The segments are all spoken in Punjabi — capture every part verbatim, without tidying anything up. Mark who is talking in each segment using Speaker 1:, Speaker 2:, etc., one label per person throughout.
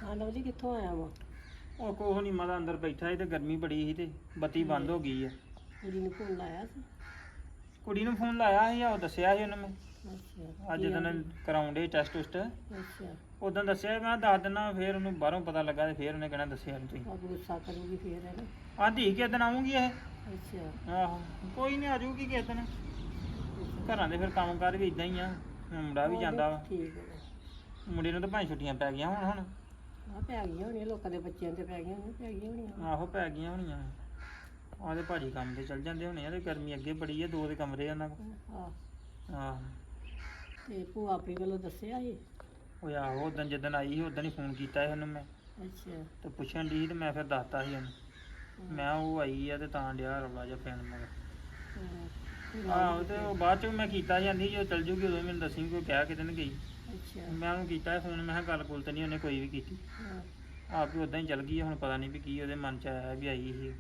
Speaker 1: ਹਾਂ ਲਵਲੀ ਕਿੱਥੋਂ ਆਇਆ ਵਾ?
Speaker 2: ਉਹ ਕੋਹ ਨਹੀਂ ਮਾਦਾ ਅੰਦਰ ਬੈਠਾ ਸੀ ਤੇ ਗਰਮੀ ਬੜੀ ਸੀ ਤੇ ਬੱਤੀ ਬੰਦ ਹੋ ਗਈ ਆ।
Speaker 1: ਕੁੜੀ ਨੂੰ ਫੋਨ ਲਾਇਆ ਸੀ?
Speaker 2: ਕੁੜੀ ਨੂੰ ਫੋਨ ਲਾਇਆ ਸੀ, ਉਹ ਦੱਸਿਆ ਸੀ ਉਹਨੇ ਮੈਂ
Speaker 1: ਅੱਛਾ
Speaker 2: ਅੱਜ ਦਿਨ ਕਰਾਉਂਦੇ ਟੈਸਟ ਟੁਸਟ
Speaker 1: ਅੱਛਾ
Speaker 2: ਉਦੋਂ ਦੱਸਿਆ ਮੈਂ ਦੱਸ ਦਿਨਾ, ਫਿਰ ਉਹਨੂੰ ਬਾਹਰੋਂ ਪਤਾ ਲੱਗਾ ਤੇ ਫਿਰ ਉਹਨੇ ਕਹਿਣਾ ਦੱਸਿਆ ਨਹੀਂ ਤੁਸੀਂ।
Speaker 1: ਆਪ ਗੁੱਸਾ ਕਰੂਗੀ ਫੇਰ ਹੈ ਨਾ।
Speaker 2: ਆਂਦੀ ਕਿਸ ਦਿਨ ਆਉਂਗੀ ਇਹ?
Speaker 1: ਅੱਛਾ
Speaker 2: ਆਹੋ ਕੋਈ ਨਹੀਂ ਆ ਜਾਊਗੀ ਕਿਸ ਦਿਨ। ਘਰਾਂ ਦੇ ਫਿਰ ਕੰਮ ਕਾਰ ਵੀ ਇਦਾਂ ਹੀ ਆ, ਮੁੰਡਾ ਵੀ ਜਾਂਦਾ ਵਾ।
Speaker 1: ਠੀਕ ਹੈ।
Speaker 2: ਮੁੰਡੇ ਨੂੰ ਤਾਂ ਭਾਵੇਂ ਛੁੱਟੀਆਂ ਪੈ ਗਈਆਂ ਹੁਣ ਹੁਣ
Speaker 1: ਆ ਪੈ ਗਈਆਂ ਹੋਣੀਆਂ, ਲੋਕਾਂ ਦੇ ਬੱਚਿਆਂ ਤੇ ਪੈ ਗਈਆਂ ਹੋਣੀਆਂ, ਪੈ ਗਈਆਂ ਹੋਣੀਆਂ।
Speaker 2: ਆਹੋ ਪੈ ਗਈਆਂ ਹੋਣੀਆਂ। ਆਹਦੇ ਭਾਜੀ ਕੰਮ ਤੇ ਚੱਲ ਜਾਂਦੇ ਹੋਣੇ ਆ ਤੇ ਗਰਮੀ ਅੱਗੇ ਬੜੀ ਆ, ਦੋ ਦੇ ਕਮਰੇ ਆ ਉਹਨਾਂ ਕੋਲ।
Speaker 1: ਆਹ
Speaker 2: ਆਹ
Speaker 1: ਤੇ ਭੂਆ ਆਪਣੀ ਵੱਲੋਂ ਦੱਸਿਆ ਸੀ?
Speaker 2: ਉਹ ਆਹੋ ਉਦੋਂ ਜਿੱਦਣ ਆਈ ਸੀ ਉਦੋਂ ਹੀ ਫੋਨ ਕੀਤਾ ਸੀ ਉਹਨੂੰ ਮੈਂ
Speaker 1: ਅੱਛਾ
Speaker 2: ਤੇ ਪੁੱਛਣ ਦੀ ਸੀ ਤੇ ਮੈਂ ਫਿਰ ਦੱਸਤਾ ਸੀ ਉਹਨੂੰ। ਮੈਂ ਉਹ ਆਈ ਆ ਤੇ ਤਾਂ ਡਿਆ ਰੌਲਾ ਜਿਹਾ ਪੈਣ ਮਗਰ। ਆਹੋ ਤੇ ਉਹ ਬਾਅਦ ਚ ਮੈਂ ਕੀਤਾ ਜਾਂਦੀ ਜੋ ਚੱਲ ਜੂਗੀ ਉਦੋਂ ਮੈਨੂੰ ਦੱਸੀ ਕੋਈ ਕਹਿ ਕਿਤੇ ਨਹੀਂ ਗਈ।
Speaker 1: ਅੱਛਾ
Speaker 2: ਮੈਂ ਉਹਨੂੰ ਕੀਤਾ ਫੋਨ, ਮੈਂ ਕਿਹਾ ਗੱਲ ਗੁੱਲ ਤੇ ਨਹੀਂ ਉਹਨੇ ਕੋਈ ਵੀ ਕੀਤੀ।
Speaker 1: ਹਾਂ
Speaker 2: ਆਪ ਵੀ ਉਦਾਂ ਹੀ ਚੱਲ ਗਈ, ਹੁਣ ਪਤਾ ਨਹੀਂ ਵੀ ਕੀ ਉਹਦੇ ਮਨ ਚ ਆਇਆ ਵੀ ਆਈ ਸੀ।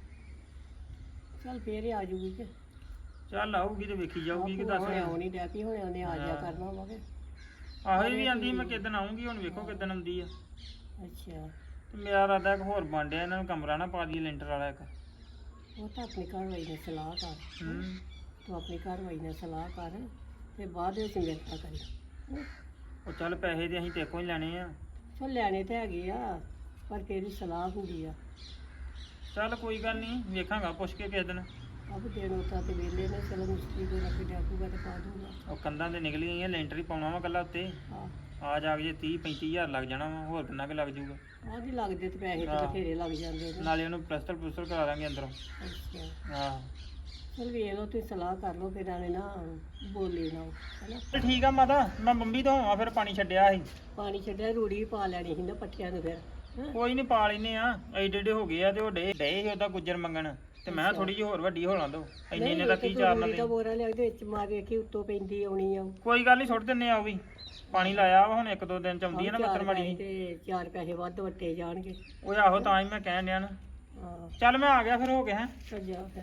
Speaker 1: ਚੱਲ ਫੇਰ ਹੀ ਆ ਜੂਗੀ ਕਿ
Speaker 2: ਚੱਲ ਆਊਗੀ ਤੇ ਵੇਖੀ ਜਾਊਗੀ ਕਿ ਦੱਸ।
Speaker 1: ਹੁਣੇ ਆਉਣੀ ਡੈ ਪਈ, ਹੁਣੇ ਉਹਨੇ ਆ ਜਾ ਕਰਨਾ ਵਾ ਕਿ।
Speaker 2: ਆਹੋ ਇਹ ਵੀ ਆਂਦੀ ਮੈਂ ਕਿਦਣ ਆਉਂਗੀ, ਹੁਣ ਵੇਖੋ ਕਿਦਣ ਆਉਂਦੀ ਆ।
Speaker 1: ਅੱਛਾ
Speaker 2: ਤੇ ਮੇਰਾ ਇਰਾਦਾ ਇੱਕ ਹੋਰ ਬਣ ਡਿਆ, ਇਹਨਾਂ ਨੂੰ ਕਮਰਾ ਨਾ ਪਾ ਦਈਏ ਲੈਂਟਰ ਵਾਲਾ ਇੱਕ।
Speaker 1: ਉਹ ਤਾਂ ਆਪਣੀ ਘਰਵਾਈ ਨਾਲ ਸਲਾਹ ਕਰ।
Speaker 2: ਹੂੰ
Speaker 1: ਤੂੰ ਆਪਣੀ ਘਰਵਾਈ ਨਾਲ ਸਲਾਹ ਕਰ ਤੇ ਬਾਅਦ ਵਿੱਚ ਮੇਰੇ ਨਾਲ ਕਰੀ।
Speaker 2: ਉਹ ਚੱਲ ਪੈਸੇ ਤੇ ਅਸੀਂ ਤੇਕੋਂ ਹੀ ਲੈਣੇ ਆ।
Speaker 1: ਚਲ ਲੈਣੇ ਤੇ ਹੈਗੇ ਆ ਪਰ ਕਿਹੜੀ ਸਲਾਹ ਹੁੰਦੀ ਆ।
Speaker 2: ਚੱਲ ਕੋਈ ਗੱਲ ਨਹੀਂ, ਵੇਖਾਂਗਾ ਪੁੱਛ ਕੇ ਕਿਸੇ ਦਿਨ।
Speaker 1: ਅਬ ਦੇਣ ਉਤਾ ਤੇ ਵੇਲੇ ਨੇ, ਚਲੋ ਮੁਸ਼ਕਿਲ ਦੇ ਰੱਖ ਡਾਕੂਗਾ ਤੇ ਪਾ ਦੂੰਗਾ।
Speaker 2: ਉਹ ਕੰਧਾਂ ਤੇ ਨਿਕਲੀ ਗਈਆਂ, ਲੈਂਟਰ ਹੀ ਪਾਉਣਾ ਵਾ ਕੱਲਾ ਉੱਤੇ।
Speaker 1: ਹਾਂ
Speaker 2: ਆ ਜਾ ਕੇ ਜੇ ਤੀਹ ਪੈਂਤੀ ਹਜ਼ਾਰ ਲੱਗ ਜਾਣਾ ਵਾ, ਹੋਰ ਕਿੰਨਾ ਕੁ ਲੱਗ ਜੂਗਾ।
Speaker 1: ਆਹ ਵੀ ਲੱਗਦੇ ਤੇ ਪੈਸੇ ਤੇ
Speaker 2: ਹਾਂ।
Speaker 1: ਬਥੇਰੇ ਲੱਗ ਜਾਂਦੇ ਨੇ।
Speaker 2: ਨਾਲੇ ਉਹਨੂੰ ਪਲਸਤਰ ਪਲਸਤਰ ਕਰਾ ਦਾਂਗੇ ਅੰਦਰੋਂ।
Speaker 1: ਅੱਛਾ
Speaker 2: ਆਹ
Speaker 1: ਚਲ ਵੇਖ ਲਓ, ਤੁਸੀਂ ਸਲਾਹ ਕਰ ਲਓ, ਫਿਰ ਨਾਲੇ ਨਾ ਬੋਲੇ ਨਾ ਹੈਨਾ।
Speaker 2: ਤੇ ਠੀਕ ਆ ਮਾਤਾ, ਮੈਂ ਬੰਬੀ ਤੋਂ ਆ ਫਿਰ ਪਾਣੀ ਛੱਡਿਆ ਸੀ।
Speaker 1: ਪਾਣੀ ਛੱਡਿਆ, ਰੂੜੀ ਵੀ ਪਾ ਲੈਣੀ ਸੀ ਨਾ ਪੱਠਿਆਂ ਨੂੰ ਫਿਰ। ਹੈਂ?
Speaker 2: ਕੋਈ ਨਹੀਂ ਪਾ ਲੈਨੇ ਆ, ਐਡੇ ਐਡੇ ਹੋ ਗਏ ਆ ਤੇ ਉਹ ਡੇ ਡੇ ਸੀ ਉਹਦਾ ਗੁੱਜਰ ਮੰਗਣ ਤੇ ਮੈਂ ਥੋੜੀ ਜਿਹੀ ਹੋਰ ਵੱਡੀ ਹੋ ਲਾਂ ਦੋ। ਇੰਨੇ ਇੰਨੇ ਦਾ ਕੀ ਚਾਰਨਾ
Speaker 1: ਰੂੜੀ ਦਾ
Speaker 2: ਤੇ।
Speaker 1: ਬੋਰਾ ਲਿਆ ਦੇ ਵਿੱਚ ਮਾਰ ਵੇਖੀ ਉੱਤੋਂ ਪੈਂਦੀ ਆਉਣੀ ਆ।
Speaker 2: ਕੋਈ ਗੱਲ ਨਹੀਂ, ਸੁੱਟ ਦਿੰਨੇ ਆ ਉਹ ਵੀ। ਪਾਣੀ ਲਾਇਆ ਵਾ, ਹੁਣ ਇੱਕ ਦੋ ਦਿਨ ਚ ਆਉਂਦੀ ਆ ਨਾ ਮੱਤਰ ਮਾੜੀ।
Speaker 1: ਤੇ ਚਾਰ ਪੈਸੇ ਵੱਧ ਵੱਟੇ ਜਾਣਗੇ।
Speaker 2: ਉਹ ਆਹੋ ਤਾਂ ਹੀ ਮੈਂ ਕਹਿਣ ਡਿਆ ਨਾ।
Speaker 1: ਹਾਂ
Speaker 2: ਚੱਲ ਮੈਂ ਆ ਗਿਆ ਫਿਰ, ਹੋ ਗਿਆ ਹੈ।
Speaker 1: ਚੱਲ ਜਾ ਫਿਰ।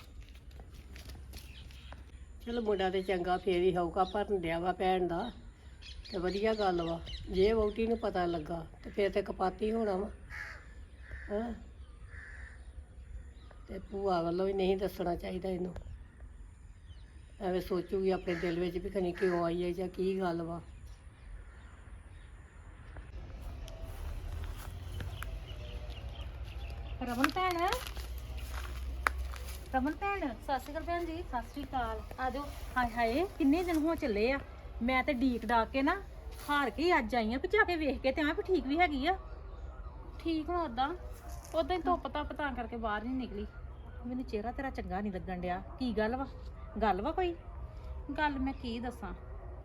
Speaker 1: ਚਲੋ ਮੁੰਡਾ ਤੇ ਚੰਗਾ ਫੇਰ ਹੀ ਹੋਊਗਾ, ਭਰਨ ਡਿਆ ਵਾ ਭੈਣ ਦਾ ਤੇ ਵਧੀਆ ਗੱਲ ਵਾ। ਜੇ ਵਹੁਟੀ ਨੂੰ ਪਤਾ ਲੱਗਾ ਤੇ ਫੇਰ ਤੇ ਕਪਾਤੀ ਹੋਣਾ ਵਾ। ਹਾਂ ਤੇ ਭੂਆ ਵੱਲੋਂ ਵੀ ਨਹੀਂ ਦੱਸਣਾ ਚਾਹੀਦਾ ਇਹਨੂੰ। ਐਵੇਂ ਸੋਚੂਗੀ ਆਪਣੇ ਦਿਲ ਵਿੱਚ ਵੀ ਖਨੀ ਕਿਉਂ ਆਈ ਹੈ ਜਾਂ ਕੀ ਗੱਲ ਵਾ।
Speaker 3: ਰਮਨ ਭੈਣ, ਰਮਨ ਭੈਣ, ਸਤਿ ਸ਼੍ਰੀ ਅਕਾਲ ਭੈਣ ਜੀ। ਸਤਿ ਸ਼੍ਰੀ ਅਕਾਲ। ਆ ਜਾਓ। ਹਾਏ ਹਾਏ ਕਿੰਨੇ ਦਿਨ ਹੋ ਚੱਲੇ ਆ, ਮੈਂ ਤੇ ਡੀਕ ਡਾਕ ਕੇ ਨਾ ਹਾਰ ਕੇ ਹੀ ਅੱਜ ਆਈ ਆ ਵੀ ਜਾ ਕੇ ਵੇਖ ਕੇ ਤੇ ਆ ਵੀ ਠੀਕ ਵੀ ਹੈਗੀ ਆ।
Speaker 4: ਠੀਕ ਹੁਣ ਉਦਾਂ ਉਦਾਂ ਹੀ ਧੁੱਪ ਧੱਪ ਤਾਂ ਕਰਕੇ ਬਾਹਰ ਨਹੀਂ ਨਿਕਲੀ।
Speaker 3: ਮੈਨੂੰ ਚਿਹਰਾ ਤੇਰਾ ਚੰਗਾ ਨਹੀਂ ਲੱਗਣ ਡਿਆ, ਕੀ ਗੱਲ ਵਾ? ਗੱਲ ਵਾ ਕੋਈ?
Speaker 4: ਗੱਲ ਮੈਂ ਕੀ ਦੱਸਾਂ,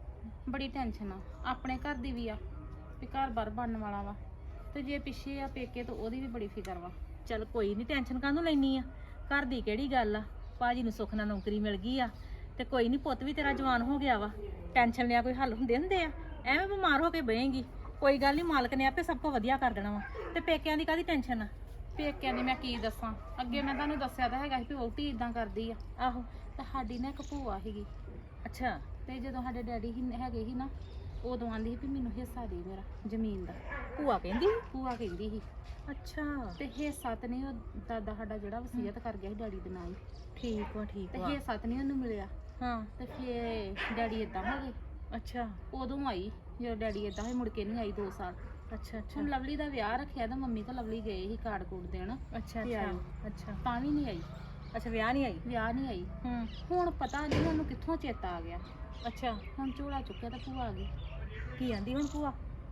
Speaker 4: ਬੜੀ ਟੈਨਸ਼ਨ ਆ ਆਪਣੇ ਘਰ ਦੀ ਵੀ ਆ ਵੀ ਘਰ ਬਾਰ ਬਣਨ ਵਾਲਾ ਵਾ, ਤੇ ਜੇ ਪਿੱਛੇ ਆ ਪੇਕੇ ਤਾਂ ਉਹਦੀ ਵੀ ਬੜੀ ਫਿਕਰ ਵਾ।
Speaker 3: ਚੱਲ ਕੋਈ ਨਹੀਂ, ਟੈਨਸ਼ਨ ਕਾਹਨੂੰ ਲੈਣੀ ਆ, ਘਰ ਦੀ ਕਿਹੜੀ ਗੱਲ ਆ। ਭਾਜੀ ਨੂੰ ਸੁੱਖ ਨਾਲ ਨੌਕਰੀ ਮਿਲ ਗਈ ਆ ਤੇ ਕੋਈ ਨਹੀਂ, ਪੁੱਤ ਵੀ ਤੇਰਾ ਜਵਾਨ ਹੋ ਗਿਆ ਵਾ। ਟੈਨਸ਼ਨ ਲਿਆ ਕੋਈ ਹੱਲ ਹੁੰਦੇ ਹੁੰਦੇ ਆ? ਐਵੇਂ ਬਿਮਾਰ ਹੋ ਕੇ ਬਹੇਂਗੀ, ਕੋਈ ਗੱਲ ਨਹੀਂ, ਮਾਲਕ ਨੇ ਆਪੇ ਸਭ ਕੁਝ ਵਧੀਆ ਕਰ ਦੇਣਾ ਵਾ। ਤੇ ਪੇਕਿਆਂ ਦੀ ਕਾਹਦੀ ਟੈਨਸ਼ਨ ਆ?
Speaker 4: ਪੇਕਿਆਂ ਦੀ ਮੈਂ ਕੀ ਦੱਸਾਂ, ਅੱਗੇ ਮੈਂ ਤੁਹਾਨੂੰ ਦੱਸਿਆ ਤਾਂ ਹੈਗਾ ਸੀ ਵੀ ਵਹੁਟੀ ਇਦਾਂ ਕਰਦੀ ਆ।
Speaker 3: ਆਹੋ।
Speaker 4: ਤੇ ਸਾਡੀ ਨਾ ਇੱਕ ਭੂਆ ਸੀਗੀ,
Speaker 3: ਅੱਛਾ
Speaker 4: ਤੇ ਜਦੋਂ ਸਾਡੇ ਡੈਡੀ ਹੀ ਹੈਗੇ ਸੀ ਨਾ, ਉਦੋਂ ਆਂਦੀ ਸੀ ਵੀ ਮੈਨੂੰ ਹਿੱਸਾ ਦੇ ਮੇਰਾ ਜ਼ਮੀਨ ਦਾ।
Speaker 3: ਭੂਆ ਕਹਿੰਦੀ?
Speaker 4: ਭੂਆ ਕਹਿੰਦੀ ਸੀ।
Speaker 3: ਅੱਛਾ
Speaker 4: ਤੇ ਹਿੱਸਾ ਤੇ ਨਹੀਂ, ਉਹ ਦਾਦਾ ਸਾਡਾ ਜਿਹੜਾ ਵਸੀਅਤ ਕਰ ਗਿਆ ਸੀ ਡੈਡੀ ਦੇ ਨਾਂ ਹੀ,
Speaker 3: ਠੀਕ ਵਾ ਠੀਕ
Speaker 4: ਤੇ
Speaker 3: ਵਾ।
Speaker 4: ਹਿੱਸਾ ਤੇ ਨਹੀਂ ਉਹਨੂੰ ਮਿਲਿਆ।
Speaker 3: ਹਾਂ
Speaker 4: ਤੇ ਫਿਰ ਡੈਡੀ ਇਦਾਂ ਹੋ ਗਏ।
Speaker 3: ਅੱਛਾ
Speaker 4: ਉਦੋਂ ਆਈ ਜਦੋਂ ਡੈਡੀ ਇਦਾਂ ਹੋਏ, ਮੁੜ ਕੇ ਨਹੀਂ ਆਈ ਦੋ ਸਾਲ।
Speaker 3: ਅੱਛਾ ਅੱਛਾ
Speaker 4: ਹੁਣ ਲਵਲੀ ਦਾ ਵਿਆਹ ਰੱਖਿਆ ਤਾਂ ਮੰਮੀ ਤਾਂ ਲਵਲੀ ਗਏ ਸੀ ਕਾਰਡ ਕੂਡ ਦੇਣ,
Speaker 3: ਅੱਛਾ
Speaker 4: ਤੇ ਆਇਓ।
Speaker 3: ਅੱਛਾ ਅੱਛਾ
Speaker 4: ਤਾਂ ਵੀ ਨਹੀਂ ਆਈ,
Speaker 3: ਅੱਛਾ ਵਿਆਹ ਨਹੀਂ ਆਈ?
Speaker 4: ਵਿਆਹ ਨਹੀਂ ਆਈ।
Speaker 3: ਹੂੰ
Speaker 4: ਹੁਣ ਪਤਾ ਨਹੀਂ ਉਹਨੂੰ ਕਿੱਥੋਂ ਚੇਤਾ ਆ ਗਿਆ,
Speaker 3: ਅੱਛਾ
Speaker 4: ਹੁਣ ਝੋਲਾ ਚੁੱਕਿਆ ਤਾਂ ਭੂਆ ਆ ਗਈ।
Speaker 3: ਕੀ ਆਂਦੀ ਹੁਣ ਭੂਆ?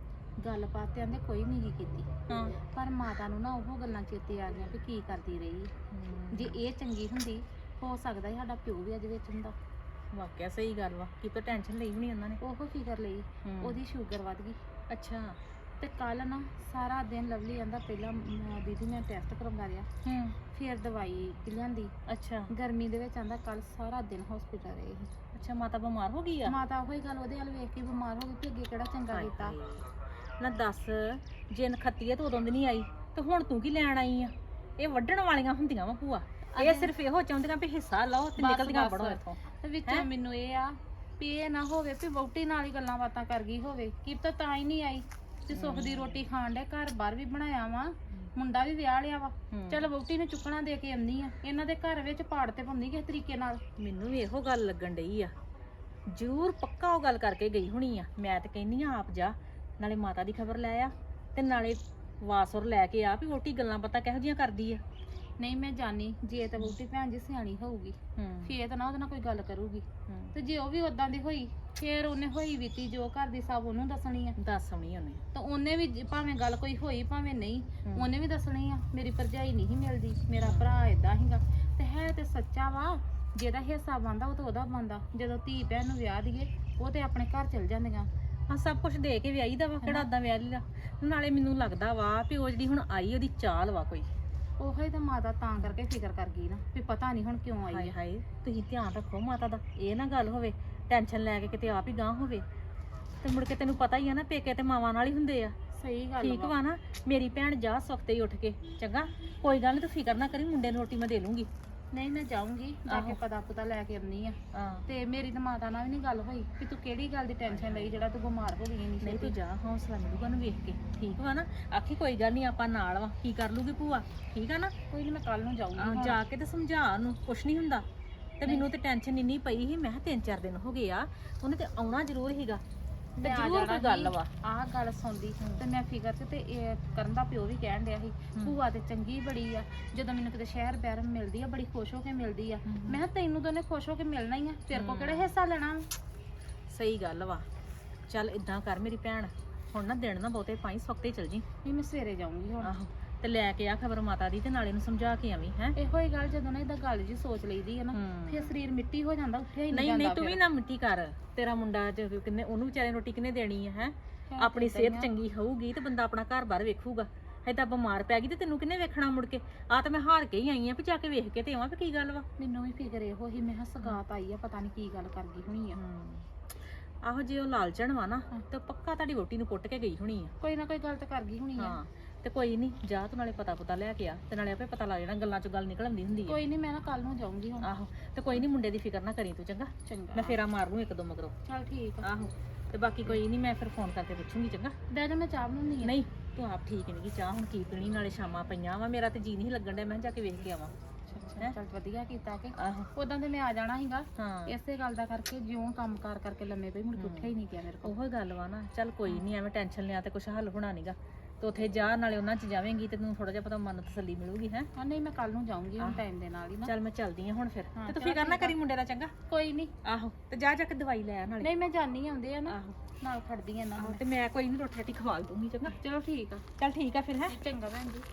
Speaker 4: ਗੱਲਬਾਤ ਤੇ ਆਂਦੇ ਕੋਈ ਨਹੀਂ ਕੀਤੀ,
Speaker 3: ਹਾਂ
Speaker 4: ਪਰ ਮਾਤਾ ਨੂੰ ਨਾ ਉਹ ਗੱਲਾਂ ਚੇਤੇ ਆ ਗਈਆਂ ਵੀ ਕੀ ਕਰਦੀ ਰਹੀ ਹੈ। ਜੇ ਇਹ ਚੰਗੀ ਹੁੰਦੀ, ਹੋ ਸਕਦਾ ਸੀ ਸਾਡਾ ਪਿਓ ਵੀ ਅੱਜ ਵਿੱਚ ਹੁੰਦਾ।
Speaker 3: ਵਾਕਿਆ ਸਹੀ ਗੱਲ ਵਾ, ਕੀ ਤਾਂ ਟੈਨਸ਼ਨ ਲਈ ਹੋਣੀ ਉਹਨਾਂ ਨੇ।
Speaker 4: ਉਹ ਫਿਕਰ ਲਈ,
Speaker 3: ਹੂੰ।
Speaker 4: ਉਹਦੀ ਸ਼ੂਗਰ ਵੱਧ ਗਈ।
Speaker 3: ਅੱਛਾ
Speaker 4: ਤੇ ਕੱਲ ਨਾ ਸਾਰਾ ਦਿਨ ਲਵਲੀ ਆਂਦਾ ਪਹਿਲਾਂ ਮੈਂ ਦੀਦੀ ਮੈਂ ਟੈਸਟ ਕਰਵਾ ਲਿਆ,
Speaker 3: ਹੂੰ
Speaker 4: ਫਿਰ ਦਵਾਈ ਲਿਆਂਦੀ।
Speaker 3: ਅੱਛਾ
Speaker 4: ਗਰਮੀ ਦੇ ਵਿੱਚ ਆਂਦਾ ਕੱਲ ਸਾਰਾ ਦਿਨ ਹਸਪੀਟਲ ਰਹੇ ਸੀ।
Speaker 3: ਅੱਛਾ ਮਾਤਾ ਬਿਮਾਰ ਹੋ ਗਈ ਆ?
Speaker 4: ਮਾਤਾ ਉਹੀ ਗੱਲ ਉਹਦੇ ਵੱਲ ਵੇਖ ਕੇ ਬਿਮਾਰ ਹੋ ਗਈ ਕਿ ਅੱਗੇ ਕਿਹੜਾ ਚੰਗਾ ਕੀਤਾ।
Speaker 3: ਨਾ ਦੱਸ, ਜੇ ਨਖੱਤੀ ਆ ਤਾਂ ਉਦੋਂ ਦੀ ਨਹੀਂ ਆਈ ਤੇ ਹੁਣ ਤੂੰ ਕੀ ਲੈਣ ਆਈ ਆ? ਇਹ ਵੱਢਣ ਵਾਲੀਆਂ ਹੁੰਦੀਆਂ ਵਾ ਭੂਆ, ਇਹ ਸਿਰਫ ਇਹੋ ਚਾਹੁੰਦੀਆਂ ਵੀ ਹਿੱਸਾ ਲਓ ਤੇ
Speaker 4: ਬਸ,
Speaker 3: ਨਿਕਲਦੀਆਂ
Speaker 4: ਬਸ।
Speaker 3: ਬੜੋ ਇੱਥੋਂ।
Speaker 4: ਤੇ ਵਿੱਚੋਂ ਮੈਨੂੰ ਇਹ ਆ ਵੀ ਇਹ ਨਾ ਹੋਵੇ ਵੀ ਵਹੁਟੀ ਨਾਲ ਹੀ ਗੱਲਾਂ ਬਾਤਾਂ ਕਰ ਗਈ ਹੋਵੇ, ਕੀ ਪਤਾ ਤਾਂ ਹੀ ਨਹੀਂ ਆਈ। ਤੇ ਸੁੱਖ ਦੀ ਰੋਟੀ ਖਾਣ ਦੇ ਘਰ ਬਾਹਰ ਵੀ ਬਣਾਇਆ ਵਾ, ਮੁੰਡਾ ਵੀ ਵਿਆਹ ਲਿਆ ਵਾ।
Speaker 3: ਹੂੰ।
Speaker 4: ਚੱਲ ਵਹੁਟੀ ਨੂੰ ਚੁੱਕਣਾ ਦੇ ਕੇ ਆਉਂਦੀ ਆ, ਇਹਨਾਂ ਦੇ ਘਰ ਵਿੱਚ ਪਾੜ ਤੇ ਪਾਉਂਦੀ ਕਿਸੇ ਤਰੀਕੇ ਨਾਲ।
Speaker 3: ਮੈਨੂੰ ਵੀ ਇਹੋ ਗੱਲ ਲੱਗਣ ਡਈ ਆ, ਜ਼ਰੂਰ ਪੱਕਾ ਉਹ ਗੱਲ ਕਰਕੇ ਗਈ ਹੋਣੀ ਆ। ਮੈਂ ਤੇ ਕਹਿੰਨੀ ਆ ਆਪ ਜਾ, ਨਾਲੇ ਮਾਤਾ ਦੀ ਖਬਰ ਲੈ ਆ ਤੇ ਨਾਲੇ ਵਾਸੁਰ ਲੈ ਕੇ ਆ ਵੀ ਵੋਟੀ ਗੱਲਾਂ ਪਤਾ ਕਿਹੋ ਜੀਆਂ ਕਰਦੀ ਆ।
Speaker 4: ਨਹੀਂ ਮੈਂ ਜਾਣੀ, ਜੇ ਤਾਂ ਵਹੁਟੀ ਭੈਣ ਜੀ ਸਿਆਣੀ ਹੋਊਗੀ
Speaker 3: ਹੂੰ
Speaker 4: ਫੇਰ ਤਾਂ ਨਾ ਉਹਦੇ ਨਾਲ ਕੋਈ ਗੱਲ ਕਰੂਗੀ,
Speaker 3: ਹੂੰ।
Speaker 4: ਤੇ ਜੇ ਉਹ ਵੀ ਉਦਾਂ ਦੀ ਹੋਈ ਫੇਰ ਉਹਨੇ ਹੋਈ ਬੀਤੀ ਜੋ ਘਰ ਦੀ ਸਭ ਉਹਨੂੰ ਦੱਸਣੀ ਆ।
Speaker 3: ਦੱਸ ਆਉਣੀ ਉਹਨੇ।
Speaker 4: ਤਾਂ ਉਹਨੇ ਵੀ ਜ- ਭਾਵੇਂ ਗੱਲ ਕੋਈ ਹੋਈ ਭਾਵੇਂ ਨਹੀਂ,
Speaker 3: ਹੂੰ।
Speaker 4: ਉਹਨੇ ਵੀ ਦੱਸਣੀ ਆ ਮੇਰੀ ਭਰਜਾਈ ਨਹੀਂ ਸੀ ਮਿਲਦੀ, ਮੇਰਾ ਭਰਾ ਏਦਾਂ ਹੀਗਾ। ਤੇ ਹੈ ਤੇ ਸੱਚਾ ਵਾ, ਜਿਹਦਾ ਹਿੱਸਾ ਬਣਦਾ ਉਹ ਤਾਂ ਉਹਦਾ ਬਣਦਾ। ਜਦੋਂ ਧੀ ਭੈਣ ਨੂੰ ਵਿਆਹ ਦੀਏ ਉਹ ਤੇ ਆਪਣੇ ਘਰ ਚਲ ਜਾਂਦੀਆਂ।
Speaker 3: ਹਾਂ ਸਭ ਕੁਝ ਦੇ ਕੇ ਵਿਆਹੀ ਦਾ ਵਾ, ਕਿਹੜਾ ਓਦਾਂ ਵਿਆਹ ਲਈ ਦਾ। ਨਾਲੇ ਮੈਨੂੰ ਲੱਗਦਾ ਵਾ ਵੀ ਉਹ ਜਿਹੜੀ ਹੁਣ ਆਈ ਉਹਦੀ ਚਾਲ ਵਾ ਕੋਈ।
Speaker 4: ਉਹੋ ਹੀ ਤਾਂ ਮਾਤਾ ਤਾਂ ਕਰਕੇ ਫਿਕਰ ਕਰ ਗਈ ਨਾ ਵੀ ਪਤਾ ਨਹੀਂ ਹੁਣ ਕਿਉਂ ਆਈ
Speaker 3: ਹਾਏ
Speaker 4: ਆ।
Speaker 3: ਹਾਏ ਤੁਸੀਂ ਧਿਆਨ ਰੱਖੋ ਮਾਤਾ ਦਾ, ਇਹ ਨਾ ਗੱਲ ਹੋਵੇ ਟੈਨਸ਼ਨ ਲੈ ਕੇ ਕਿਤੇ ਆਪ ਹੀ ਗਾਂਹ ਹੋਵੇ ਤੇ ਮੁੜ ਕੇ ਤੈਨੂੰ ਪਤਾ ਹੀ ਆ ਨਾ ਪੇਕੇ ਤੇ ਮਾਵਾਂ ਨਾਲ ਹੀ ਹੁੰਦੇ ਆ।
Speaker 4: ਸਹੀ ਗੱਲ
Speaker 3: ਠੀਕ ਵਾ ਨਾ। ਮੇਰੀ ਭੈਣ ਜਾ ਸੁਖਤੇ ਹੀ ਉੱਠ ਕੇ, ਚੰਗਾ ਕੋਈ ਗੱਲ ਨਹੀਂ ਤੂੰ ਫਿਕਰ ਨਾ ਕਰੀ, ਮੁੰਡੇ ਨੂੰ ਰੋਟੀ ਮੈਂ ਦੇ ਲੂੰਗੀ।
Speaker 4: ਨਹੀਂ ਮੈਂ ਜਾਊਂਗੀ ਜਾ ਕੇ
Speaker 3: ਆਹੋ।
Speaker 4: ਪਤਾ ਪੁਤਾ ਲੈ ਕੇ ਆਉਂਦੀ ਆ।
Speaker 3: ਹਾਂ
Speaker 4: ਤੇ ਮੇਰੀ ਤਾਂ ਮਾਤਾ ਨਾਲ ਵੀ ਨਹੀਂ ਗੱਲ ਹੋਈ ਕਿ ਤੂੰ ਕਿਹੜੀ ਗੱਲ ਦੀ ਟੈਨਸ਼ਨ ਲਈ ਜਿਹੜਾ ਤੂੰ ਬਿਮਾਰ ਹੋ ਗਈ ਨਹੀਂ
Speaker 3: ਨਹੀਂ ਤੂੰ ਜਾ, ਹੌਸਲਾ ਮਿਲੂਗਾ ਨੂੰ ਵੇਖ ਕੇ। ਠੀਕ ਵਾ ਨਾ, ਆਖੀ ਕੋਈ ਗੱਲ ਨਹੀਂ ਆਪਾਂ ਨਾਲ ਵਾ, ਕੀ ਕਰ ਲੂਗੀ ਭੂਆ। ਠੀਕ ਆ ਨਾ।
Speaker 4: ਕੋਈ ਨਹੀਂ ਮੈਂ ਕੱਲ ਨੂੰ ਜਾਊਂਗੀ
Speaker 3: ਆਹ,
Speaker 4: ਹੁਣ।
Speaker 3: ਜਾ ਕੇ ਤੇ ਸਮਝਾ ਉਹਨੂੰ, ਕੁਛ ਨਹੀਂ ਹੁੰਦਾ। ਤੇ ਮੈਨੂੰ ਤੇ ਟੈਨਸ਼ਨ ਇੰਨੀ ਪਈ ਸੀ, ਮੈਂ ਕਿਹਾ ਤਿੰਨ ਚਾਰ ਦਿਨ ਹੋ ਗਏ ਆ, ਉਹਨੇ ਤੇ ਆਉਣਾ ਜ਼ਰੂਰ ਸੀਗਾ ਤੇ
Speaker 4: ਮੈਂ ਆ
Speaker 3: ਜ਼ਰੂਰ
Speaker 4: ਜਾਣਾ
Speaker 3: ਕੋਈ ਗੱਲ
Speaker 4: ਸੀ।
Speaker 3: ਵਾ।
Speaker 4: ਆਹ ਗੱਲ ਸੁਣਦੀ ਤੇ ਮੈਂ ਫਿਕਰ ਚ ਤੇ ਇਹ ਕਰਨ ਦਾ ਪਿਓ ਵੀ ਕਹਿਣ ਡਿਆ ਸੀ ਭੂਆ ਤੇ ਚੰਗੀ ਬੜੀ ਆ, ਜਦੋਂ ਮੈਨੂੰ ਕਿਤੇ ਸ਼ਹਿਰ ਬੈਰ ਮਿਲਦੀ ਆ ਬੜੀ ਖੁਸ਼ ਹੋ ਕੇ ਮਿਲਦੀ ਆ। ਮੈਂ ਕਿਹਾ ਤੈਨੂੰ ਤਾਂ ਉਹਨੇ ਖੁਸ਼ ਹੋ ਕੇ ਮਿਲਣਾ ਹੀ ਆ, ਤੇਰੇ ਕੋ ਕਿਹੜਾ ਹਿੱਸਾ ਲੈਣਾ ਵਾ?
Speaker 3: ਸਹੀ ਗੱਲ ਵਾ। ਚੱਲ ਇਦਾਂ ਕਰ ਮੇਰੀ ਭੈਣ, ਹੁਣ ਨਾ ਦਿਨ ਨਾ ਬਹੁਤੇ ਪਾਈ, ਸਵਖਤੇ ਚਲ ਜੀ।
Speaker 4: ਨਹੀਂ ਮੈਂ ਸਵੇਰੇ ਜਾਊਂਗੀ ਹੁਣ।
Speaker 3: ਆਹੋ ਤੇ ਲੈ ਕੇ ਆ ਖਬਰ ਮਾਤਾ ਦੀ ਤੇ ਨਾਲੇ ਨੂੰ ਸਮਝਾ ਕੇ ਆਵੀਂ ਹੈ।
Speaker 4: ਇਹੋ ਹੀ ਗੱਲ ਜਦੋਂ ਨਾ ਇਹਦਾ ਗੱਲ ਜੀ ਸੋਚ ਲਈਦੀ ਆ ਨਾ,
Speaker 3: ਹੂੰ।
Speaker 4: ਫਿਰ ਸਰੀਰ ਮਿੱਟੀ ਹੋ ਜਾਂਦਾ, ਉੱਠਿਆ ਹੀ ਨਹੀਂ
Speaker 3: ਨਹੀਂ ਨਹੀਂ
Speaker 4: ਜਾਂਦਾ।
Speaker 3: ਤੂੰ ਵੀ ਨਾ ਮਿੱਟੀ ਕਰ, ਤੇਰਾ ਮੁੰਡਾ ਜ- ਕਿੰਨੇ ਉਹਨੂੰ ਵਿਚਾਰੇ ਨੂੰ ਰੋਟੀ ਕਿੰਨੇ ਦੇਣੀ ਹੈ ਹੈ।
Speaker 4: ਹੈ
Speaker 3: ਆਪਣੀ
Speaker 4: ਤਾਂ ਏਦਾਂ
Speaker 3: ਸਿਹਤ
Speaker 4: ਹੀ ਆ।
Speaker 3: ਚੰਗੀ ਹੋਊਗੀ ਤੇ ਬੰਦਾ ਆਪਣਾ ਘਰ-ਬਾਰ ਵੇਖੂਗਾ। ਏਦਾਂ ਬਿਮਾਰ ਪੈ ਗਈ ਤੇ ਤੈਨੂੰ ਕਿੰਨੇ ਵੇਖਣਾ ਮੁੜ ਕੇ। ਆ ਤਾਂ ਮੈਂ ਹਾਰ ਕੇ ਹੀ ਆਈ ਆ ਵੀ ਜਾ ਕੇ ਵੇਖ ਕੇ ਤੇ ਆਵਾਂ ਵੀ ਕੀ ਗੱਲ ਵਾ।
Speaker 4: ਮੈਨੂੰ ਵੀ ਫਿਕਰ ਇਹੋ ਹੀ, ਮੈਂ ਕਿਹਾ ਸਗਾਤ ਆਈ ਆ, ਪਤਾ ਨਹੀਂ ਕੀ ਗੱਲ ਕਰ ਗਈ ਹੋਣੀ ਆ।
Speaker 3: ਆਹੋ ਜੇ ਉਹ ਲਾਲਚਣ ਵਾ ਨਾ ਤੇ ਪੱਕਾ ਤੁਹਾਡੀ ਵੋਟੀ ਨੂੰ ਪੁੱਟ ਕੇ ਗਈ ਹੋਣੀ ਆ।
Speaker 4: ਕੋਈ ਨਾ ਕੋਈ ਗੱਲ ਤਾਂ ਕਰ ਗਈ ਹੋਣੀ ਆ।
Speaker 3: ਹਾਂ ਤੇ ਕੋਈ ਨਹੀਂ, ਜਾ ਤੂੰ ਨਾਲੇ ਪਤਾ ਪੁਤਾ ਲੈ ਕੇ ਆ ਤੇ ਨਾਲੇ ਆਪੇ ਪਤਾ ਲੱਗ ਜਾਣਾ, ਗੱਲਾਂ ਚੋਂ ਗੱਲ ਨਿਕਲ ਆਉਂਦੀ ਹੁੰਦੀ ਆ।
Speaker 4: ਕੋਈ ਨਹੀਂ ਮੈਂ ਨਾ ਕੱਲ ਨੂੰ ਜਾਊਂਗੀ ਹੁਣ।
Speaker 3: ਆਹੋ ਤੇ ਕੋਈ ਨਹੀਂ, ਮੁੰਡੇ ਦੀ ਫਿਕਰ ਨਾ ਕਰੀ ਤੂੰ, ਚੰਗਾ।
Speaker 4: ਚੰਗਾ
Speaker 3: ਮੈਂ ਫੇਰਾ ਮਾਰ ਲੂੰ ਇੱਕ ਦੋ ਮਗਰੋਂ।
Speaker 4: ਚੱਲ ਠੀਕ ਆ।
Speaker 3: ਆਹੋ ਤੇ ਬਾਕੀ ਕੋਈ ਨਹੀਂ, ਮੈਂ ਫਿਰ ਫੋਨ ਕਰਕੇ ਪੁੱਛੂੰਗੀ, ਚੰਗਾ।
Speaker 4: ਬਹਿ ਜਾ, ਮੈਂ ਚਾਹ ਬਣਾਉਣੀ ਆ।
Speaker 3: ਨਹੀਂ ਤੂੰ ਆਪ ਠੀਕ ਨਹੀਂ ਗੀ, ਚਾਹ ਹੁਣ ਕੀ ਪੀਣੀ, ਨਾਲੇ ਸ਼ਾਮਾਂ ਪਈਆਂ ਵਾ, ਮੇਰਾ ਤੇ ਜੀ ਨਹੀਂ ਲੱਗਣ ਡਿਆ, ਮੈਂ ਕਿਹਾ ਜਾ ਕੇ ਵੇਖ ਕੇ ਆਵਾਂ।
Speaker 4: ਅੱਛਾ, ਚੱਲ ਵਧੀਆ ਕੀਤਾ ਕਿ
Speaker 3: ਆਹੋ
Speaker 4: ਉਦਾਂ ਤੇ ਮੈਂ ਆ ਜਾਣਾ ਸੀਗਾ,
Speaker 3: ਹਾਂ
Speaker 4: ਇਸੇ ਗੱਲ ਦਾ ਕਰਕੇ ਜਿਉਂ ਕੰਮ ਕਾਰ ਕਰਕੇ ਲੰਮੇ ਪਈ, ਮੁੜ ਕੇ ਉੱਠਿਆ ਹੀ ਨਹੀਂ ਗਿਆ ਮੇਰੇ ਕੋਲ।
Speaker 3: ਉਹੋ ਗੱਲ ਵਾ ਨਾ। ਚੱਲ ਕੋਈ ਨਹੀਂ, ਐਵੇਂ ਟੈਨਸ਼ਨ ਲਿਆ ਤੇ ਕੁਛ ਹੱਲ ਹੋਣਾ ਨਹੀਂਗਾ। ਤੇ ਉੱਥੇ ਜਾ ਨਾਲੇ ਉਹਨਾਂ 'ਚ ਜਾਵੇਂਗੀ ਤੇ ਤੈਨੂੰ ਥੋੜਾ ਜਿਹਾ ਪਤਾ ਮਨ ਨੂੰ ਤਸੱਲੀ ਮਿਲੂਗੀ ਹੈ।
Speaker 4: ਹਾਂ ਨਹੀਂ ਮੈਂ ਕੱਲ ਨੂੰ ਜਾਊਂਗੀ ਹੁਣ ਟਾਈਮ ਦੇ ਨਾਲ ਹੀ ਨਾ।
Speaker 3: ਚੱਲ ਮੈਂ ਚੱਲਦੀ ਆ ਹੁਣ ਫਿਰ,
Speaker 4: ਹਾਂ,
Speaker 3: ਤੇ ਤੂੰ
Speaker 4: ਚੱਲ
Speaker 3: ਫਿਕਰ ਨਾ
Speaker 4: ਠੀਕ ਆ।
Speaker 3: ਕਰੀ ਮੁੰਡੇ ਦਾ, ਚੰਗਾ।
Speaker 4: ਕੋਈ ਨਹੀਂ।
Speaker 3: ਆਹੋ ਤੇ ਜਾ ਜਾ ਕੇ ਦਵਾਈ ਲੈ ਆ ਨਾਲੇ।
Speaker 4: ਨਹੀਂ ਮੈਂ ਜਾਣੀ ਆਉਂਦੇ ਆ ਨਾ,
Speaker 3: ਆਹੋ
Speaker 4: ਨਾਲ ਖੜਦੀ ਆ ਨਾ।
Speaker 3: ਆਹੋ, ਤੇ ਮੈਂ ਕੋਈ ਨਹੀਂ ਰੋਟੀ ਰਾਟੀ ਖਵਾ ਦੂੰਗੀ, ਚੰਗਾ।
Speaker 4: ਚਲੋ ਠੀਕ ਆ।
Speaker 3: ਚੱਲ ਠੀਕ ਆ ਫਿਰ ਹੈ।
Speaker 4: ਚੰਗਾ ਭੈਣ ਜੀ।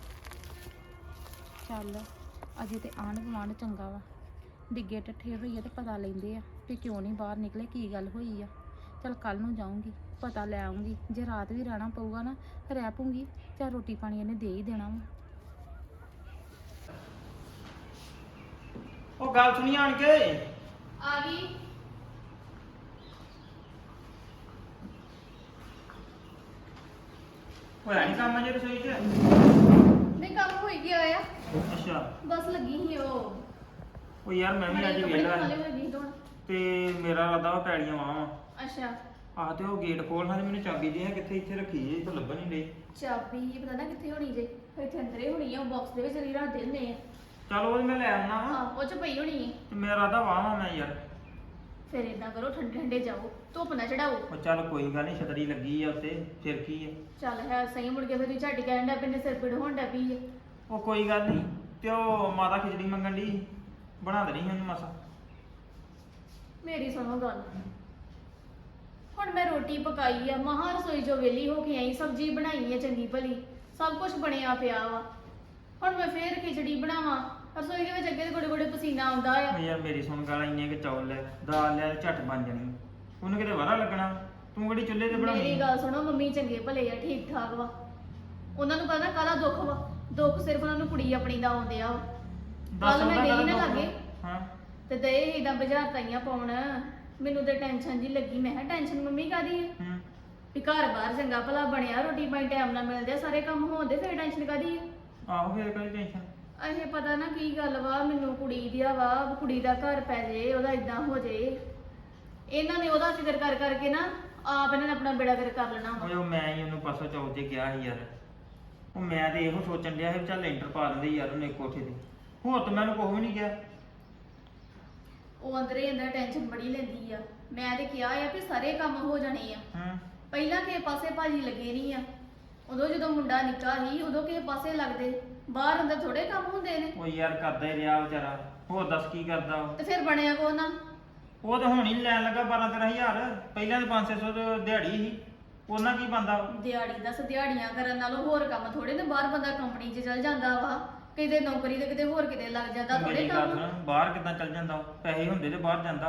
Speaker 4: ਚੱਲ ਅਜੇ ਤੇ ਆਂਢ ਗੁਆਂਢ ਚੰਗਾ ਵਾ, ਡਿੱਗੇ ਟੱਠੇ ਹੋਈ ਆ ਤੇ ਪਤਾ ਲੈਂਦੇ ਆ ਵੀ ਕਿਉਂ ਨਹੀਂ ਬਾਹਰ ਨਿਕਲੇ, ਕੀ ਗੱਲ ਹੋਈ ਆ। ਚਲ ਕੱਲ ਨੂੰ ਜਾਊਂਗੀ, ਪਤਾ ਲੈ ਆਉਂਗੀ। ਜੇ ਰਾਤ ਵੀ ਰਹਿਣਾ ਪਊਗਾ ਨਾ ਰਹਿ ਪਊਂਗੀ, ਚਾਹ ਰੋਟੀ ਪਾਣੀ ਇਹਨੇ ਦੇ ਹੀ ਦੇਣਾ ਵਾ।
Speaker 2: ਉਹ ਗੱਲ ਸੁਣੀ ਆਣ ਕੇ।
Speaker 4: ਆ ਗਈ।
Speaker 2: ਹੋਇਆ ਨਹੀਂ ਕੰਮ ਅਜੇ ਰਸੋਈ 'ਚ?
Speaker 5: ਨਹੀਂ ਕੰਮ ਹੋਈ ਗਿਆ ਆ,
Speaker 2: ਅੱਛਾ।
Speaker 5: ਬਸ ਲੱਗੀ ਸੀ ਉਹ
Speaker 2: ਉਹ ਯਾਰ ਮੈਂ ਵੀ ਅੱਜ
Speaker 5: ਕੱਪੜੇ
Speaker 2: ਵੇਲਾ
Speaker 5: ਖੋਲੇ ਹੋਏ ਨਹੀਂ ਧੋਣ।
Speaker 2: ਤੇ ਮੇਰਾ ਇਰਾਦਾ ਵਾ ਪੈੜੀਆਂ ਵਾਵਾਂ।
Speaker 5: ਅੱਛਾ
Speaker 2: ਆਹ ਤੇ ਉਹ ਗੇਟ ਖੋਲਣਾ ਤੇ ਮੈਨੂੰ ਚਾਬੀ ਦੇ ਆ, ਕਿੱਥੇ ਇੱਥੇ ਰੱਖੀ ਏ, ਇਹ ਤਾਂ ਲੱਭਣ ਨਹੀਂ ਡਈ।
Speaker 5: ਚਾਬੀ ਪਤਾ ਨਾ ਕਿੱਥੇ ਹੋਣੀ ਜੇ, ਇੱਥੇ ਅੰਦਰੇ ਹੋਣੀ ਆ, ਉਹ ਬਾਕਸ ਦੇ ਵਿੱਚ ਰੀ ਰੱਖ ਦਿੰਦੇ ਆ।
Speaker 2: ਚੱਲ ਉਹ ਮੈਂ ਲੈ ਆਉਣਾ ਵਾ।
Speaker 5: ਹਾਂ ਉਹ ਚ ਪਈ ਹੋਣੀ ਹੈ।
Speaker 2: ਤੇ ਮੇਰਾ ਇਰਾਦਾ ਵਾਵਾਂ ਮੈਂ ਯਾਰ।
Speaker 5: ਫਿਰ ਇਦਾਂ ਕਰੋ ਠੰਡੇ ਠੰਡੇ ਜਾਓ, ਧੁੱਪ ਨਾ ਚੜਾਓ।
Speaker 2: ਉਹ ਚੱਲ ਕੋਈ ਗੱਲ ਨਹੀਂ, ਛਤਰੀ ਲੱਗੀ ਆ ਉੱਤੇ, ਫਿਰ ਕੀ ਆ।
Speaker 5: ਚੱਲ ਹੈ ਸਹੀ, ਮੁੜ ਕੇ ਫਿਰ ਤੁਸੀਂ ਝੱਟ ਕਹਿਣ ਡੈ ਪੈਂਦੇ, ਸਿਰ ਪੀੜ ਹੋਣ ਡੈ ਪਈ ਹੈ।
Speaker 2: ਉਹ ਕੋਈ ਗੱਲ ਨਹੀਂ, ਤੇ ਉਹ ਮਾਤਾ ਖਿਚੜੀ ਮੰਗਣ ਦੀ ਬਣਾ ਦੇਣੀ ਉਹਨੂੰ ਮਸਾ।
Speaker 5: ਮੇਰੀ ਸੁਣੋ ਗੱਲ, ਹੁਣ ਮੈਂ ਰੋਟੀ ਪਕਾਈ ਆ, ਮਹਾਂ ਰਸੋਈ ਜੋ ਵੇਲੀ ਹੋ ਕੇ ਆਈ, ਸਬਜ਼ੀ ਬਣਾਈ ਹੈ ਚੰਗੀ ਭਲੀ, ਸਭ ਕੁਝ ਬਣਿਆ ਪਿਆ ਵਾ। ਹੁਣ ਮੈਂ ਫੇਰ ਖਿਚੜੀ ਬਣਾਵਾਂ, ਰਸੋਈ ਦੇ ਵਿੱਚ ਅੱਗੇ ਤੇ ਗੋੜੇ ਗੋੜੇ ਪਸੀਨਾ ਆਉਂਦਾ ਆ।
Speaker 2: ਉਹ ਯਾਰ ਮੇਰੀ ਸੁਣ ਗੱਲ, ਇੰਨੇ ਕਿ ਚੌਲ ਲੈ ਦਾਲ ਲੈ ਝੱਟ ਬਣ ਜਾਣੀ, ਉਹਨੂੰ ਕਿਤੇ ਵਾਰਾ ਲੱਗਣਾ। ਤੂੰ ਕਿਹੜੀ ਚੁੱਲ੍ਹੇ ਤੇ ਬਣਾਉਣੀ?
Speaker 5: ਮੇਰੀ ਗੱਲ ਸੁਣੋ, ਮੰਮੀ ਚੰਗੇ ਭਲੇ ਆ, ਠੀਕ ਠਾਕ ਵਾ, ਉਹਨਾਂ ਨੂੰ ਪਤਾ ਕਾਹਦਾ ਦੁੱਖ ਵਾ। ਦੁੱਖ ਸਿਰਫ ਉਹਨਾਂ ਨੂੰ ਕੁੜੀ ਆਪਣੀ ਦਾ ਆਉਂਦੇ ਆ।
Speaker 2: ਦੱਸ
Speaker 5: ਕੱਲ ਮੈਂ
Speaker 2: ਉਹਦਾ
Speaker 5: ਗਈ ਨਾ
Speaker 2: ਕਾਹਦਾ
Speaker 5: ਲਾਗੇ
Speaker 2: ਦੁੱਖ? ਹਾਂ
Speaker 5: ਤੇ ਦਏ ਇਦਾਂ ਬਾਜ਼ਾਰ ਤਾਈਆਂ ਪਾਉਣ, ਮੈਨੂੰ ਤੇ ਟੈਨਸ਼ਨ ਜੀ ਲੱਗੀ। ਮੈਂ ਕਿਹਾ ਟੈਨਸ਼ਨ ਮੰਮੀ ਕਾਦੀ ਹੈ,
Speaker 2: ਹੂੰ
Speaker 5: ਵੀ ਘਰ ਬਾਹਰ ਚੰਗਾ ਭਲਾ ਬਣਿਆ, ਰੋਟੀ ਪਾਣੀ ਟਾਈਮ ਨਾਲ ਮਿਲਦੇ ਆ, ਸਾਰੇ ਕੰਮ ਹੋਣਦੇ, ਫਿਰ ਟੈਨਸ਼ਨ ਕਾਦੀ ਹੈ।
Speaker 2: ਆਹੋ ਫਿਰ ਕੋਈ ਟੈਨਸ਼ਨ।
Speaker 5: ਇਹ ਪਤਾ ਨਾ ਕੀ ਗੱਲ ਵਾ, ਮੈਨੂੰ ਕੁੜੀ ਦੀ ਵਾ, ਕੁੜੀ ਦਾ ਘਰ ਪੈ ਜੇ, ਉਹਦਾ ਇਦਾਂ ਹੋ ਜੇ। ਇਹਨਾਂ ਨੇ ਉਹਦਾ ਫਿਕਰ ਕਰ ਕਰਕੇ ਨਾ ਆਪ ਇਹਨਾਂ ਨੇ ਆਪਣਾ ਬੇੜਾ ਕਰ ਕਰ ਲੈਣਾ ਵਾ।
Speaker 2: ਓਏ ਉਹ ਮੈਂ ਹੀ ਉਹਨੂੰ ਪਾਸੋਂ ਚੌਥ ਤੇ ਕਿਹਾ ਸੀ ਯਾਰ, ਉਹ ਮੈਂ ਤੇ ਇਹੋ ਸੋਚਣ ਡਿਆ ਸੀ ਵੀ ਚੱਲ ਲੈਂਟਰ ਪਾ ਦਿੰਦੇ ਯਾਰ ਉਹਨੇ ਕੋਠੇ ਤੇ, ਹੋਰ ਤਾਂ ਮੈਨੂੰ ਕੁਛ ਵੀ ਨਹੀਂ ਕਿਹਾ।
Speaker 5: ਉਹ ਅੰਦਰੇ ਅੰਦਰ ਟੈਨਸ਼ਨ ਬੜੀ ਲੈਂਦੀ ਆ। ਮੈਂ ਤੇ ਕਿਹਾ ਆ ਵੀ ਸਾਰੇ ਕੰਮ ਹੋ ਜਾਣੇ ਆ।
Speaker 2: ਹੂੰ
Speaker 5: ਪਹਿਲਾਂ ਕਿਸੇ ਪਾਸੇ ਭਾਜੀ ਲੱਗੇ ਨਹੀਂ ਆ, ਉਦੋਂ ਜਦੋਂ ਮੁੰਡਾ ਨਿੱਕਾ ਸੀ ਉਦੋਂ ਕਿਸੇ ਪਾਸੇ ਲੱਗਦੇ, ਬਾਹਰ ਅੰਦਰ ਥੋੜੇ ਕੰਮ ਹੁੰਦੇ ਨੇ।
Speaker 2: ਉਹ ਯਾਰ ਕਰਦਾ ਹੀ ਰਿਹਾ ਵਿਚਾਰਾ, ਹੋਰ ਦੱਸ ਕੀ ਕਰਦਾ ਉਹ।
Speaker 5: ਤੇ ਫਿਰ ਬਣਿਆ ਕੋ ਨਾ।
Speaker 2: ਉਹ ਤਾਂ ਹੁਣ ਹੀ ਲੈਣ ਲੱਗਾ ਬਾਰਾਂ ਤੇਰਾਂ ਹਜ਼ਾਰ, ਪਹਿਲਾਂ ਤਾਂ ਪੰਜ ਛੇ ਸੌ ਦਿਹਾੜੀ ਸੀ, ਉਹਨਾਂ ਕੀ ਬੰਦਾ।
Speaker 5: ਦਿਹਾੜੀ ਦੱਸ, ਦਿਹਾੜੀਆਂ ਕਰਨ ਨਾਲੋਂ ਹੋਰ ਕੰਮ ਥੋੜੇ ਨੇ। ਬਾਹਰ ਬੰਦਾ ਕੰਪਨੀ 'ਚ ਚਲ ਜਾਂਦਾ ਵਾ, ਕਿਤੇ ਨੌਕਰੀ ਤੇ ਕਿਤੇ ਹੋਰ ਕਿਤੇ ਲੱਗ ਜਾਂਦਾ, ਥੋੜੇ
Speaker 2: ਮੇਰੀ ਗੱਲ
Speaker 5: ਕੰਮ।
Speaker 2: ਸੁਣ, ਬਾਹਰ ਕਿੱਦਾਂ ਚੱਲ ਜਾਂਦਾ ਉਹ? ਪੈਸੇ ਹੁੰਦੇ ਤੇ ਬਾਹਰ ਜਾਂਦਾ।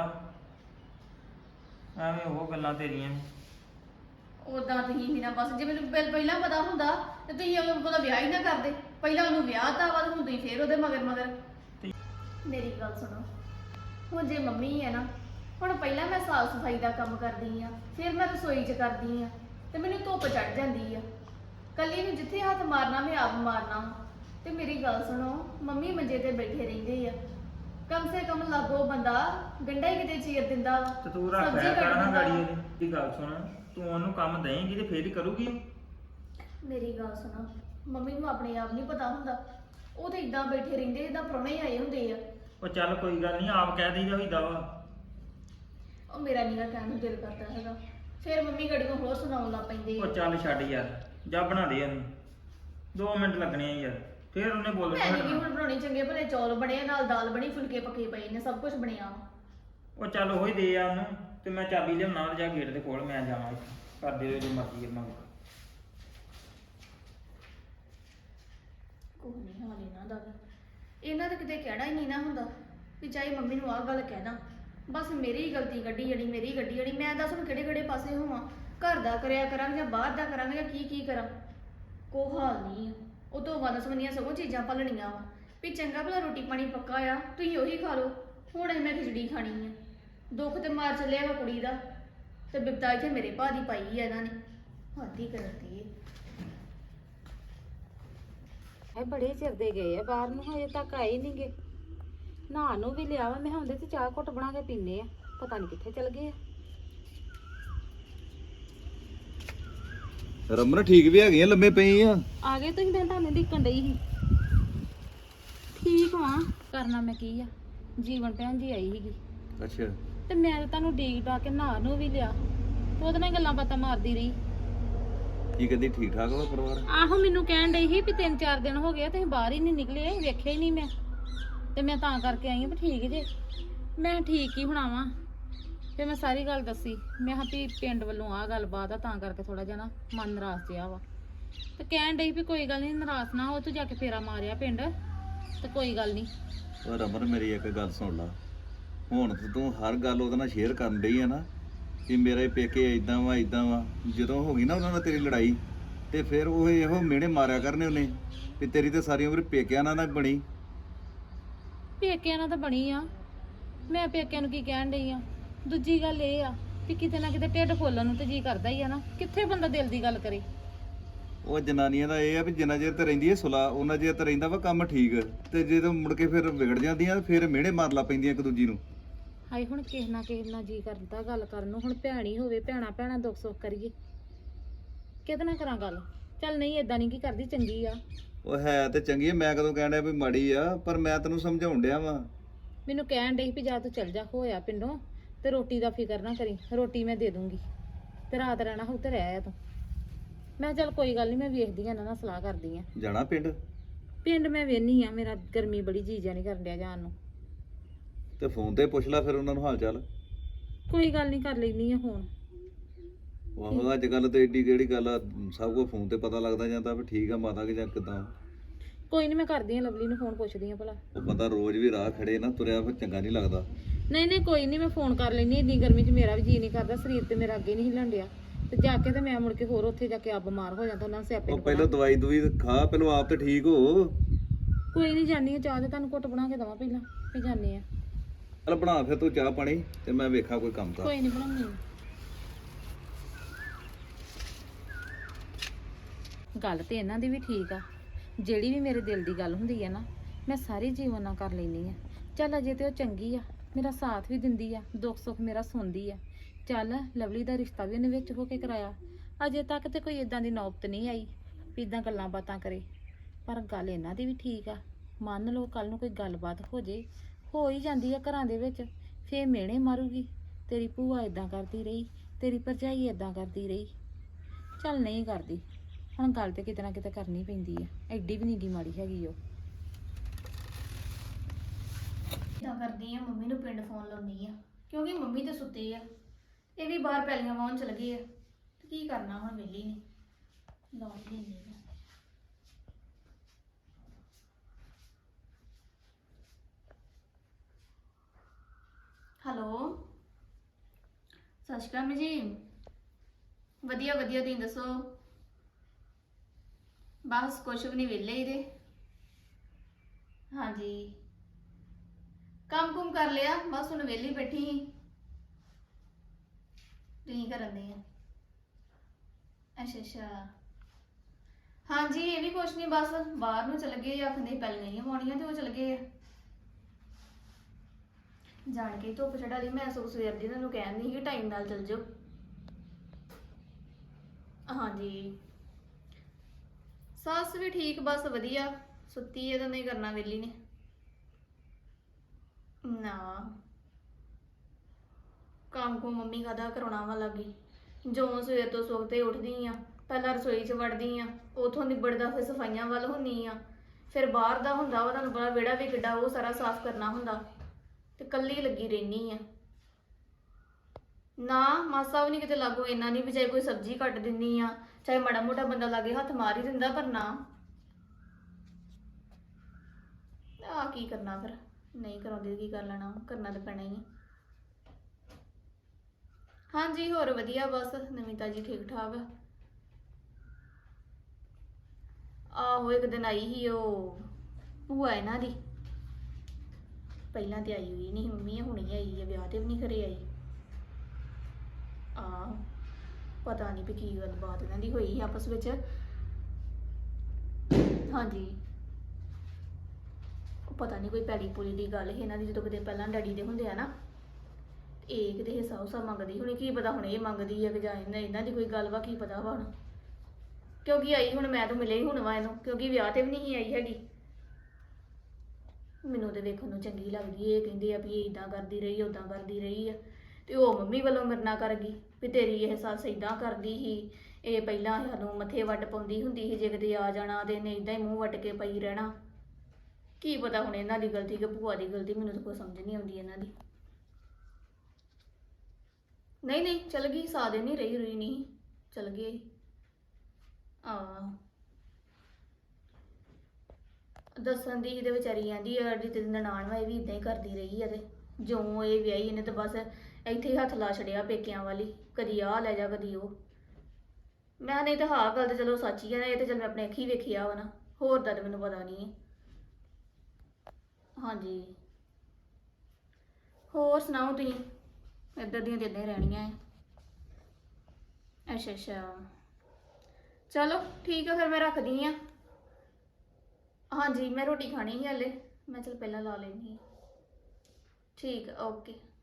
Speaker 2: ਐਵੇਂ ਉਹ ਗੱਲਾਂ ਤੇਰੀਆਂ।
Speaker 5: ਉਦਾਂ ਤੁਸੀਂ ਵੀ ਨਾ ਬਸ, ਜੇ ਮੈਨੂੰ ਪਹਿ- ਪਹਿਲਾਂ ਪਤਾ ਹੁੰਦਾ ਤੇ ਤੁਸੀਂ ਉਹਦਾ ਵਿਆਹ ਹੀ ਨਾ ਕਰਦੇ। ਪਹਿਲਾਂ ਉਹਨੂੰ ਵਿਆਹ ਤਾਂ ਬਾਅਦ ਹੁਣ ਤੁਸੀਂ ਫੇਰ ਉਹਦੇ ਮਗਰ ਮਗਰ। ਮੇਰੀ ਗੱਲ ਸੁਣੋ, ਹੁਣ ਜੇ ਮੰਮੀ ਹੈ ਨਾ, ਹੁਣ ਪਹਿਲਾਂ ਮੈਂ ਸਾਫ ਸਫਾਈ ਦਾ ਕੰਮ ਕਰਦੀ ਆ, ਫਿਰ ਮੈਂ ਰਸੋਈ 'ਚ ਕਰਦੀ ਆ, ਤੇ ਮੈਨੂੰ ਧੁੱਪ ਚੜ ਜਾਂਦੀ ਆ। ਕੱਲੀ ਨੂੰ ਜਿੱਥੇ ਹੱਥ ਮਾਰਨਾ ਮੈਂ ਆਪ ਮਾਰਨਾ ਵਾ। ਤੇ ਮੇਰੀ ਗੱਲ ਸੁਣੋ, ਮੰਮੀ ਮੰਜੇ ਤੇ ਬੈਠੇ ਰਹਿੰਦੇ ਆ, ਕਮ ਸੇ ਕਮ ਲਾਗੋ ਬੰਦਾ ਗੰਢਾ ਹੀ ਕਿਤੇ ਚੀਰ ਦਿੰਦਾ ਵਾ,
Speaker 2: ਤੇ ਤੂੰ ਰੱਖ
Speaker 5: ਸਬਜ਼ੀ
Speaker 2: ਲਿਆ
Speaker 5: ਕੱਟ
Speaker 2: ਕਰ ਨਾ
Speaker 5: ਦਿੰਦਾ
Speaker 2: ਗਾੜੀ
Speaker 5: ਵਾ।
Speaker 2: ਇਹਦੀ। ਦੀ ਗੱਲ ਸੁਣ, ਤੂੰ ਉਹਨੂੰ ਕੰਮ ਦੇਂਗੀ ਤੇ ਫੇਰ ਹੀ ਕਰੂਗੀ ਉਹ।
Speaker 5: ਮੇਰੀ ਗੱਲ ਸੁਣੋ, ਮੰਮੀ ਨੂੰ ਆਪਣੇ ਆਪ ਨਹੀਂ ਪਤਾ ਹੁੰਦਾ, ਉਹ ਤੇ ਇਦਾਂ ਬੈਠੇ ਰਹਿੰਦੇ ਜਿੱਦਾਂ ਪ੍ਰਾਹੁਣੇ ਹੀ ਆਏ ਹੁੰਦੇ ਆ।
Speaker 2: ਉਹ ਚੱਲ ਕੋਈ ਗੱਲ ਨਹੀਂ, ਆਪ ਕਹਿ ਦੇਈਦਾ ਹੋਈਦਾ ਵਾ।
Speaker 5: ਉਹ ਮੇਰਾ ਨੀਗਾ ਕਹਿਣ ਨੂੰ ਦਿਲ ਕਰਦਾ ਹੈਗਾ, ਫਿਰ ਮੰਮੀ ਗੜੀ ਨੂੰ ਹੋਰ ਸੁਣਾਉਣ ਲੱਗ ਪੈਂਦੇ
Speaker 2: ਉਹ
Speaker 5: ਆ।
Speaker 2: ਚੱਲ ਛੱਡ ਯਾਰ, ਜਾ ਬਣਾ ਦੇ ਉਹਨੂੰ, ਦੋ ਮਿੰਟ ਲੱਗਣੇ ਆ ਯਾਰ, ਫੇਰ ਉਹਨੇ ਬੋਲ
Speaker 5: ਮੈਂ ਨਹੀਂ
Speaker 2: ਪੈਣਾ।
Speaker 5: ਹੁਣ ਬਣਾਉਣੀ, ਚੰਗੇ ਭਲੇ ਚੌਲ ਬਣੇ ਆ, ਨਾਲ ਦਾਲ ਬਣੀ, ਫੁਲਕੇ ਪੱਕੇ ਪਏ ਨੇ, ਸਭ ਕੁਝ ਬਣਿਆ ਵਾ।
Speaker 2: ਉਹ ਚੱਲ ਉਹੀ ਦੇ ਆ ਉਹਨੂੰ, ਤੇ ਮੈਂ ਚਾਬੀ ਲਿਆਉਣਾ ਤੇ ਜਾ ਗੇਟ ਦੇ ਕੋਲ ਮੈਂ ਜਾਵਾਂ, ਕਰ ਦੇ ਜੋ ਮਰਜ਼ੀ ਮੰਗ।
Speaker 5: ਕੋਈ ਨਹੀਂ ਹਾਲ ਇਹਨਾਂ ਦਾ ਵੀ। ਇਹਨਾਂ ਦਾ ਕਿਤੇ ਕਹਿਣਾ ਹੀ ਨਹੀਂ ਨਾ ਹੁੰਦਾ ਵੀ ਚਾਹੇ ਮੰਮੀ ਨੂੰ ਆਹ ਗੱਲ ਕਹਿਣਾ, ਬਸ ਮੇਰੀ ਹੀ ਗਲਤੀ ਕੱਢੀ ਜਿਹੜੀ, ਮੇਰੀ ਹੀ ਗੱਡੀ ਜਿਹੜੀ। ਮੈਂ ਦੱਸ ਹੁਣ ਕਿਹੜੇ ਕਿਹੜੇ ਪਾਸੇ ਹੋਵਾਂ, ਘਰ ਦਾ ਕਰਿਆ ਕਰਾਂਗੇ ਜਾਂ ਬਾਹਰ ਦਾ ਕਰਾਂਗੇ ਜਾਂ ਕੀ ਕੀ ਕਰਾਂ, ਕੋਈ ਹਾਲ ਨਹੀਂ ਆ। ਉਹ ਤੋਂ ਵਨ ਸਵੰਨੀਆਂ ਸਗੋਂ ਚੀਜ਼ਾਂ ਭਲਣੀਆਂ ਵਾ ਵੀ ਚੰਗਾ ਭਲਾ ਰੋਟੀ ਪਾਣੀ ਪੱਕਾ ਆ, ਤੁਸੀਂ ਉਹੀ ਖਾ ਲਓ। ਹੁਣ ਇਹ ਮੈਂ ਖਿਚੜੀ ਖਾਣੀ ਆ। ਦੁੱਖ ਤੇ ਮਾਰ ਚੱਲਿਆ ਵਾ ਕੁੜੀ ਦਾ, ਤੇ ਬਿਪਤਾ ਇੱਥੇ ਮੇਰੇ ਭਾ ਦੀ ਪਾਈ ਆ ਇਹਨਾਂ ਨੇ। ਹੱਦੀ ਕਰਦੀ ਏ।
Speaker 4: ਇਹ ਬੜੇ ਚਿਰ ਦੇ ਗਏ ਆ ਬਾਹਰ ਨੂੰ, ਹਜੇ ਤੱਕ ਆਏ ਨਹੀਂ ਗੇ। ਨਾ ਨੂੰ ਵੀ ਲਿਆ ਵਾ, ਮੈਂ ਹੁੰਦੇ ਤੇ ਚਾਹ ਘੁੱਟ ਬਣਾ ਕੇ ਪੀਨੇ ਆ, ਪਤਾ ਨਹੀਂ ਕਿੱਥੇ ਚਲ ਗਏ ਆ।
Speaker 6: ਰਮਨ ਠੀਕ ਵੀ ਹੈਗੀਆਂ, ਲੰਮੇ ਪਈ ਆ।
Speaker 4: ਆ ਗਏ ਤੁਸੀਂ? ਮੈਂ ਤੁਹਾਨੂੰ ਦੇਖਣ ਡਈ ਸੀ। ਠੀਕ ਵਾਂ, ਕਰਨਾ ਮੈਂ ਕੀ ਆ। ਜੀਵਨ ਭੈਣ ਜੀ ਆਈ ਸੀਗੀ
Speaker 6: ਅੱਛਾ,
Speaker 4: ਤੇ ਮੈਂ ਤਾਂ ਤੁਹਾਨੂੰ ਡੀਕ ਡਾ ਕੇ ਨਾ ਨੂੰ ਵੀ ਲਿਆ, ਤੇ ਉਹਦੇ ਨਾਲ ਗੱਲਾਂ ਬਾਤਾਂ ਮਾਰਦੀ ਰਹੀ।
Speaker 6: ਕੀ ਕਹਿੰਦੀ? ਠੀਕ ਠਾਕ ਵਾ ਪਰਿਵਾਰ?
Speaker 4: ਆਹੋ, ਮੈਨੂੰ ਕਹਿਣ ਡਈ ਸੀ ਵੀ ਤਿੰਨ ਚਾਰ ਦਿਨ ਹੋ ਗਏ ਤੁਸੀਂ ਬਾਹਰ ਹੀ ਨਹੀਂ ਨਿਕਲੇ, ਵੇਖਿਆ ਹੀ ਨਹੀਂ ਮੈਂ, ਤੇ ਮੈਂ ਤਾਂ ਕਰਕੇ ਆਈ ਹਾਂ ਵੀ ਠੀਕ ਜੇ। ਮੈਂ ਠੀਕ ਹੀ ਹੋਣਾ ਵਾਂ। ਫਿਰ ਮੈਂ ਸਾਰੀ ਗੱਲ ਦੱਸੀ, ਮੈਂ ਕਿਹਾ ਵੀ ਪਿੰਡ ਵੱਲੋਂ ਆਹ ਗੱਲਬਾਤ ਆ, ਤਾਂ ਕਰਕੇ ਥੋੜਾ ਜਿਹਾ ਨਾ ਮਨ ਨਾਰਾਜ਼ ਜਿਹਾ ਵਾ। ਤੇ ਕਹਿਣ ਡਈ ਵੀ ਕੋਈ ਗੱਲ ਨਹੀਂ, ਨਾਰਾਜ਼ ਨਾ ਹੋ, ਤੂੰ ਜਾ ਕੇ ਫੇਰਾ ਮਾਰਿਆ ਪਿੰਡ, ਤੇ ਕੋਈ ਗੱਲ ਨਹੀਂ।
Speaker 6: ਉਹ ਰਮਨ ਮੇਰੀ ਇੱਕ ਗੱਲ ਸੁਣ ਲਾ, ਹੁਣ ਤੇ ਤੂੰ ਹਰ ਗੱਲ ਉਹਦੇ ਨਾਲ ਸ਼ੇਅਰ ਕਰਨ ਡਈ ਆ ਨਾ ਕਿ ਮੇਰੇ ਪੇਕੇ ਇਦਾਂ ਵਾ ਇਦਾਂ ਵਾ। ਜਦੋਂ ਹੋ ਗਈ ਨਾ ਉਹਨਾਂ ਨਾਲ ਤੇਰੀ ਲੜਾਈ, ਤੇ ਫਿਰ ਉਹ ਇਹੋ ਮਿਹਣੇ ਮਾਰਿਆ ਕਰਨੇ ਉਹਨੇ ਵੀ ਤੇਰੀ ਤੇ ਸਾਰੀ ਉਮਰ ਪੇਕਿਆਂ ਨਾਲ ਨਾ ਬਣੀ।
Speaker 4: ਪੇਕਿਆਂ ਨਾਲ ਤਾਂ ਬਣੀ ਆ, ਮੈਂ ਪੇਕਿਆਂ ਨੂੰ ਕੀ ਕਹਿਣ ਡਈ ਆ। ਦੂਜੀ ਗੱਲ ਇਹ ਆ ਵੀ ਕਿਤੇ ਨਾ ਕਿਤੇ ਢਿੱਡ ਫੋਲਣ ਨੂੰ ਤੇ ਜੀ ਕਰਦਾ ਹੀ ਆ ਨਾ, ਕਿੱਥੇ ਬੰਦਾ ਦਿਲ ਦੀ ਗੱਲ ਕਰੇ।
Speaker 6: ਉਹ ਜਨਾਨੀਆਂ ਦਾ ਇਹ ਆ ਵੀ ਜਿੰਨਾ ਚਿਰ ਤੇ ਰਹਿੰਦੀ ਹੈ ਸੁਲਾ, ਉਹਨਾਂ ਚਿਰ ਤੇ ਰਹਿੰਦਾ ਵਾ ਕੰਮ ਠੀਕ, ਤੇ ਜਦੋਂ ਮੁੜ ਕੇ ਫਿਰ ਵਿਗੜ ਜਾਂਦੀਆਂ ਫਿਰ ਮਿਹਣੇ ਮਾਰ ਲਾ ਪੈਂਦੀਆਂ ਇੱਕ ਦੂਜੀ ਨੂੰ।
Speaker 4: ਹਾਏ ਹੁਣ ਕਿਸੇ ਨਾ ਕਿਸੇ ਨਾਲ ਜੀ ਕਰਦਾ ਗੱਲ ਕਰਨ ਨੂੰ। ਹੁਣ ਭੈਣੀ ਹੋਵੇ, ਭੈਣਾ ਭੈਣਾ ਦੁੱਖ ਸੁੱਖ ਕਰੀਏ, ਕਿਹਦੇ ਨਾਲ ਕਰਾਂ ਗੱਲ? ਚੱਲ ਨਹੀਂ, ਏਦਾਂ ਨਹੀਂ ਕੀ ਕਰਦੀ, ਚੰਗੀ ਆ।
Speaker 6: ਉਹ ਹੈ ਤੇ ਚੰਗੀ ਆ, ਮੈਂ ਕਦੋਂ ਕਹਿਣ ਡਿਆ ਵੀ ਮਾੜੀ ਆ, ਪਰ ਮੈਂ ਤੈਨੂੰ ਸਮਝਾਉਣ ਡਿਆ ਵਾਂ।
Speaker 4: ਮੈਨੂੰ ਕਹਿਣ ਡਈ ਵੀ ਜਾ ਤੂੰ ਚੱਲ ਜਾ, ਹੋਇਆ ਪਿੰਡੋਂ, ਤੇ ਰੋਟੀ ਦਾ ਫਿਕਰ ਨਾ ਕਰੀ, ਰੋਟੀ ਮੈਂ ਦੇ ਦੂੰਗੀ, ਤੇ ਰਾਤ ਰਹਿਣਾ ਹੋਊ ਤੇ ਰਹਿ ਆ ਤੂੰ। ਮੈਂ ਚੱਲ ਕੋਈ ਗੱਲ ਨਹੀਂ, ਮੈਂ ਵੇਖਦੀ ਆ ਇਹਨਾਂ ਨਾਲ ਸਲਾਹ ਕਰਦੀ ਆ।
Speaker 6: ਜਾਣਾ ਪਿੰਡ?
Speaker 4: ਪਿੰਡ ਮੈਂ ਵੇਹਨੀ ਆ, ਮੇਰਾ ਗਰਮੀ ਬੜੀ ਜੀਜਾ ਨਹੀਂ ਕਰਨ ਡਿਆ ਜਾਣ ਨੂੰ।
Speaker 6: ਤੇ ਫੋਨ ਤੇ ਪੁੱਛ ਲੈ ਫਿਰ ਉਹਨਾਂ ਨੂੰ ਹਾਲ ਚਾਲ।
Speaker 4: ਕੋਈ ਗੱਲ ਨਹੀਂ, ਕਰ ਲੈਣੀ ਆ ਫੋਨ।
Speaker 6: ਉਹ ਅੱਜ ਕੱਲ ਤੇ ਏਡੀ ਕਿਹੜੀ ਗੱਲ ਆ, ਸਭ ਕੁਝ ਫੋਨ ਤੇ ਪਤਾ ਲੱਗਦਾ ਜਾਂਦਾ ਵੀ ਠੀਕ ਆ ਮਾਤਾ ਕਿ ਜਾਂ ਕਿਦਾਂ।
Speaker 4: ਕੋਈ ਨਹੀਂ, ਮੈਂ ਕਰਦੀ ਆ ਲਵਲੀ ਨੂੰ ਫੋਨ, ਪੁੱਛਦੀ ਆ ਭਲਾ।
Speaker 6: ਉਹ ਬੰਦਾ ਰੋਜ਼ ਵੀ ਰਾਹ ਖੜੇ ਨਾ ਤੁਰਿਆ ਫਿਰ ਚੰਗਾ ਨਹੀਂ ਲੱਗਦਾ।
Speaker 4: ਨਹੀਂ ਨਹੀਂ ਕੋਈ ਨਹੀਂ, ਮੈਂ ਫੋਨ ਕਰ ਲੈਣੀ। ਇੰਨੀ ਗਰਮੀ 'ਚ ਮੇਰਾ ਵੀ ਜੀ ਨਹੀਂ ਕਰਦਾ, ਸਰੀਰ ਤੇ ਮੇਰਾ ਅੱਗੇ ਨਹੀਂ ਹਿੱਲਣ ਡਿਆ, ਤੇ ਜਾ ਕੇ ਤੇ ਮੈਂ ਮੁੜ ਕੇ ਹੋਰ ਉੱਥੇ ਜਾ ਕੇ ਆ ਬਿਮਾਰ ਹੋ ਜਾਂਦਾ, ਉਹਨਾਂ ਨੂੰ ਸਿਆਪੇ
Speaker 6: ਉਹ
Speaker 4: ਨੂੰ
Speaker 6: ਪਹਿਲਾਂ
Speaker 4: ਪਤਾ।
Speaker 6: ਦਵਾਈ ਦਵਾਈ ਖਾ, ਪਹਿਲਾਂ ਆਪ ਤੇ ਠੀਕ ਹੋ।
Speaker 4: ਕੋਈ ਨਹੀਂ, ਜਾਨੀ ਆ, ਚਾਹ ਤੇ ਤੁਹਾਨੂੰ ਘੁੱਟ ਬਣਾ ਕੇ ਦੇਵਾਂ ਪਹਿਲਾਂ, ਫਿਰ ਜਾਂਦੇ ਆ।
Speaker 6: ਚੱਲ ਬਣਾ ਫਿਰ ਤੂੰ ਚਾਹ ਪਾਣੀ, ਤੇ ਮੈਂ ਵੇਖਾਂ ਕੋਈ ਕੰਮ ਤਾਂ।
Speaker 4: ਕੋਈ ਨਹੀਂ ਬਣਾਉਣੀ। ਗੱਲ ਤੇ ਇਹਨਾਂ ਦੀ ਵੀ ਠੀਕ ਆ, ਜਿਹੜੀ ਵੀ ਮੇਰੇ ਦਿਲ ਦੀ ਗੱਲ ਹੁੰਦੀ ਆ ਨਾ, ਮੈਂ ਸਾਰੀ ਜੀਵਨ ਨਾਲ ਕਰ ਲੈਂਦੀ ਆ। ਚੱਲ ਅਜੇ ਤੇ ਉਹ ਚੰਗੀ ਆ, ਮੇਰਾ ਸਾਥ ਵੀ ਦਿੰਦੀ ਆ, ਦੁੱਖ ਸੁੱਖ ਮੇਰਾ ਸੁਣਦੀ ਆ। ਚੱਲ ਲਵਲੀ ਦਾ ਰਿਸ਼ਤਾ ਵੀ ਉਹਨੇ ਵਿੱਚ ਹੋ ਕੇ ਕਰਾਇਆ। ਅਜੇ ਤੱਕ ਤੇ ਕੋਈ ਇਦਾਂ ਦੀ ਨੌਬਤ ਨਹੀਂ ਆਈ ਵੀ ਇਦਾਂ ਗੱਲਾਂ ਬਾਤਾਂ ਕਰੇ। ਪਰ ਗੱਲ ਇਹਨਾਂ ਦੀ ਵੀ ਠੀਕ ਆ। ਮੰਨ ਲਓ ਕੱਲ ਨੂੰ ਕੋਈ ਗੱਲਬਾਤ ਹੋ ਜੇ, ਹੋ ਹੀ ਜਾਂਦੀ ਆ ਘਰਾਂ ਦੇ ਵਿੱਚ, ਫੇਰ ਮਿਹਣੇ ਮਾਰੂਗੀ ਤੇਰੀ ਭੂਆ ਇਦਾਂ ਕਰਦੀ ਰਹੀ, ਤੇਰੀ ਭਰਜਾਈ ਇਦਾਂ ਕਰਦੀ ਰਹੀ। ਚੱਲ ਨਹੀਂ ਕਰਦੀ, ਹੁਣ ਗੱਲ ਤੇ ਕਿਤੇ ਨਾ ਕਿਤੇ ਕਰਨੀ ਪੈਂਦੀ ਆ, ਐਡੀ ਵੀ ਨਹੀਂ ਗੀ ਮਾੜੀ ਹੈਗੀ ਉਹ।
Speaker 5: ਇਦਾਂ ਕਰਦੀ ਆ, ਮੰਮੀ ਨੂੰ ਪਿੰਡ ਫੋਨ ਲਾਉਣੀ ਆ, ਕਿਉਂਕਿ ਮੰਮੀ ਤੇ ਸੁੱਤੇ ਆ, ਇਹ ਵੀ ਬਾਹਰ ਪੈਲੀਆਂ ਵਾਹੁਣ ਚਲ ਗਏ ਆ, ਤੇ ਕੀ ਕਰਨਾ ਹੁਣ ਵਿਹਲੀ ਨੇ। ਲਾ ਹੀ ਲੈਂਦੀ ਆ। ਹੈਲੋ, ਸਤਿ ਸ਼੍ਰੀ ਅਕਾਲ ਮੰਮੀ ਜੀ। ਵਧੀਆ ਵਧੀਆ, ਤੁਸੀਂ ਦੱਸੋ? ਬਸ ਕੁਛ ਵੀ ਨਹੀਂ, ਵਿਹਲੇ ਹੀ ਦੇ। ਹਾਂਜੀ, ਕੰਮ ਕੁਮ ਕਰ ਲਿਆ, ਬਸ ਹੁਣ ਵਿਹਲੀ ਬੈਠੀ ਸੀ। ਤੁਸੀਂ ਕਰਨ ਦੇ ਆ? ਅੱਛਾ ਅੱਛਾ, ਹਾਂਜੀ ਇਹ ਵੀ ਕੁਛ ਨਹੀਂ, ਬਸ ਬਾਹਰ ਨੂੰ ਚਲ ਗਏ, ਆਖਦੇ ਪਹਿਲਾਂ ਨਹੀਂ ਆਉਣੀਆਂ ਤੇ ਉਹ ਚਲ ਗਏ ਆ। ਜਾਣ ਕੇ ਧੁੱਪ ਚੜਾ ਲਈ, ਮੈਂ ਸੋ ਸਵੇਰ ਦੀ ਤੁਹਾਨੂੰ ਕਹਿਣ ਨਹੀਂ ਕਿ ਟਾਈਮ ਨਾਲ ਚਲ ਜਾਓ। ਹਾਂਜੀ, ਸੱਸ ਵੀ ਠੀਕ, ਬਸ ਵਧੀਆ, ਸੁੱਤੀ ਹੈ ਤਾਂ ਨਹੀਂ ਕਰਨਾ ਵਿਹਲੀ ਨੇ। ਨਾ ਕੰਮ ਕੋ ਮੰਮੀ ਕਾਹਦਾ ਕਰਾਉਣਾ ਵਾ ਲੱਗੀ, ਜੋ ਸਵੇਰ ਤੋਂ ਸੁੱਤੇ ਉੱਠਦੀ ਆ, ਪਹਿਲਾਂ ਰਸੋਈ 'ਚ ਵੜਦੀ ਆ, ਉਥੋਂ ਨਿਬੜਦਾ ਫਿਰ ਸਫਾਈਆਂ ਵੱਲ ਹੁੰਦੀ ਆ, ਫਿਰ ਬਾਹਰ ਦਾ ਹੁੰਦਾ ਵਾ, ਤੁਹਾਨੂੰ ਪਤਾ ਵਿਹੜਾ ਵੀ ਕਿੱਡਾ, ਉਹ ਸਾਰਾ ਸਾਫ਼ ਕਰਨਾ ਹੁੰਦਾ, ਤੇ ਕੱਲੀ ਲੱਗੀ ਰਹਿਨੀ ਆ। ਨਾ ਮਾਸਾ ਵੀ ਨਹੀਂ ਕਿਤੇ ਲਾਗੋ, ਇੰਨਾ ਨਹੀਂ ਵੀ ਚਾਹੇ ਕੋਈ ਸਬਜ਼ੀ ਕੱਟ ਦਿੰਦੀ ਆ, ਚਾਹੇ ਮਾੜਾ ਮੋਟਾ ਬੰਦਾ ਲਾਗੇ ਹੱਥ ਮਾਰ ਹੀ ਦਿੰਦਾ, ਪਰ ਨਾ ਆ ਕੀ ਕਰਨਾ, ਫਿਰ ਨਹੀਂ ਕਰਾਉਂਦੀ ਕੀ ਕਰ ਲੈਣਾ, ਕਰਨਾ ਤਾਂ ਪੈਣਾ ਹੀ ਆ। ਹਾਂਜੀ ਹੋਰ ਵਧੀਆ, ਬਸ ਨਵੀਂ ਤਾਜੀ ਠੀਕ ਠਾਕ। ਆਹੋ ਇੱਕ ਦਿਨ ਆਈ ਸੀ ਉਹ ਭੂਆ ਇਹਨਾਂ ਦੀ, ਪਹਿਲਾਂ ਤੇ ਆਈ ਹੋਈ ਨਹੀਂ ਮੰਮੀ, ਹੁਣੀ ਆਈ ਆ, ਵਿਆਹ ਤੇ ਵੀ ਨਹੀਂ ਘਰੇ ਆਈ। ਆਹ ਪਤਾ ਨਹੀਂ ਵੀ ਕੀ ਗੱਲਬਾਤ ਇਹਨਾਂ ਦੀ ਹੋਈ ਆਪਸ ਵਿੱਚ। ਹਾਂਜੀ, ਉਹ ਪਤਾ ਨਹੀਂ ਕੋਈ ਪੈਲੀ ਪੂਲੀ ਦੀ ਗੱਲ ਸੀ ਇਹਨਾਂ ਦੀ, ਜਦੋਂ ਕਿਤੇ ਪਹਿਲਾਂ ਡੈਡੀ ਦੇ ਹੁੰਦੇ ਆ ਨਾ, ਇਹ ਕਿਤੇ ਹਿੱਸਾ ਹੁਸਾ ਮੰਗਦੀ ਹੋਣੀ, ਕੀ ਪਤਾ ਹੁਣ ਇਹ ਮੰਗਦੀ ਆ ਕਿ ਜਾਂ ਇਹਨਾਂ ਇਹਨਾਂ ਦੀ ਕੋਈ ਗੱਲ ਵਾ, ਕੀ ਪਤਾ ਵਾ ਹੁਣ, ਕਿਉਂਕਿ ਆਈ ਹੁਣ ਮੈਂ ਤਾਂ ਮਿਲੇ ਹੀ ਹੁਣ ਵਾ ਇਹਨੂੰ, ਕਿਉਂਕਿ ਵਿਆਹ ਤੇ ਵੀ ਨਹੀਂ ਆਈ ਹੈਗੀ। ਮੈਨੂੰ ਤੇ ਵੇਖਣ ਨੂੰ ਚੰਗੀ ਲੱਗਦੀ, ਇਹ ਕਹਿੰਦੇ ਆ ਵੀ ਇਹ ਇਦਾਂ ਕਰਦੀ ਰਹੀ, ਉਦਾਂ ਕਰਦੀ ਰਹੀ ਆ, ਤੇ ਉਹ ਮੰਮੀ ਵੱਲੋਂ ਮੇਰੇ ਨਾਲ ਕਰ ਗਈ ਵੀ ਤੇਰੀ ਇਹ ਸੱਸ ਇਦਾਂ ਕਰਦੀ ਸੀ, ਇਹ ਪਹਿਲਾਂ ਸਾਨੂੰ ਮੱਥੇ ਵੱਟ ਪਾਉਂਦੀ ਹੁੰਦੀ ਸੀ, ਜੇ ਕਿਤੇ ਆ ਜਾਣਾ ਤੇ ਇਹਨੇ ਇਦਾਂ ਹੀ ਮੂੰਹ ਵੱਟ ਕੇ ਪਈ ਰਹਿਣਾ। ਕੀ ਪਤਾ ਹੁਣ ਇਹਨਾਂ ਦੀ ਗਲਤੀ ਕਿ ਭੂਆ ਦੀ ਗਲਤੀ, ਮੈਨੂੰ ਤਾਂ ਕੋਈ ਸਮਝ ਨਹੀਂ ਆਉਂਦੀ ਇਹਨਾਂ ਦੀ। ਨਹੀਂ ਨਹੀਂ ਚਲ ਗਈ, ਸਾਦੇ ਨਹੀਂ ਰਹੀ ਰੁਈ ਨਹੀਂ, ਚਲ ਗਏ। ਆ ਦੱਸਣ ਦੀ ਇਹਦੇ ਵਿਚਾਰੀ ਆਂਦੀ ਆ ਜਿਹੜੀ ਤੇਰੀ ਨਨਾਣ ਵਾ, ਇਹ ਵੀ ਇਦਾਂ ਹੀ ਕਰਦੀ ਰਹੀ ਆ, ਤੇ ਜੋ ਇਹ ਵਿਆਹੀ ਇਹਨੇ ਤਾਂ ਬਸ ਇੱਥੇ ਹੀ ਹੱਥ ਲਾ ਛੜਿਆ ਪੇਕਿਆਂ ਵਾਲੀ, ਕਦੀ ਆਹ ਲੈ ਜਾ ਕਦੀ ਉਹ। ਮੈਂ ਨਹੀਂ ਤਾਂ ਹਾਂ ਗੱਲ ਤਾਂ ਚਲੋ ਸੱਚ ਹੀ ਆ, ਇਹ ਤਾਂ ਚਲ ਮੈਂ ਆਪਣੇ ਅੱਖੀ ਵੇਖਿਆ ਵਾ ਨਾ, ਹੋਰ ਦਾ ਤਾਂ ਮੈਨੂੰ ਪਤਾ ਨਹੀਂ। ਹਾਂਜੀ ਹੋਰ ਸੁਣਾਓ ਤੁਸੀਂ? ਇੱਧਰ ਦੀਆਂ ਤਾਂ ਇੱਦਾਂ ਹੀ ਰਹਿਣੀਆਂ ਹੈ। ਅੱਛਾ ਅੱਛਾ, ਚਲੋ ਠੀਕ ਆ, ਫਿਰ ਮੈਂ ਰੱਖਦੀ ਹਾਂ। ਹਾਂਜੀ ਮੈਂ ਰੋਟੀ ਖਾਣੀ ਸੀ ਹਲੇ, ਮੈਂ ਚਲ ਪਹਿਲਾਂ ਲਾ ਲੈਂਦੀ ਹਾਂ। ਠੀਕ ਆ, ਓਕੇ।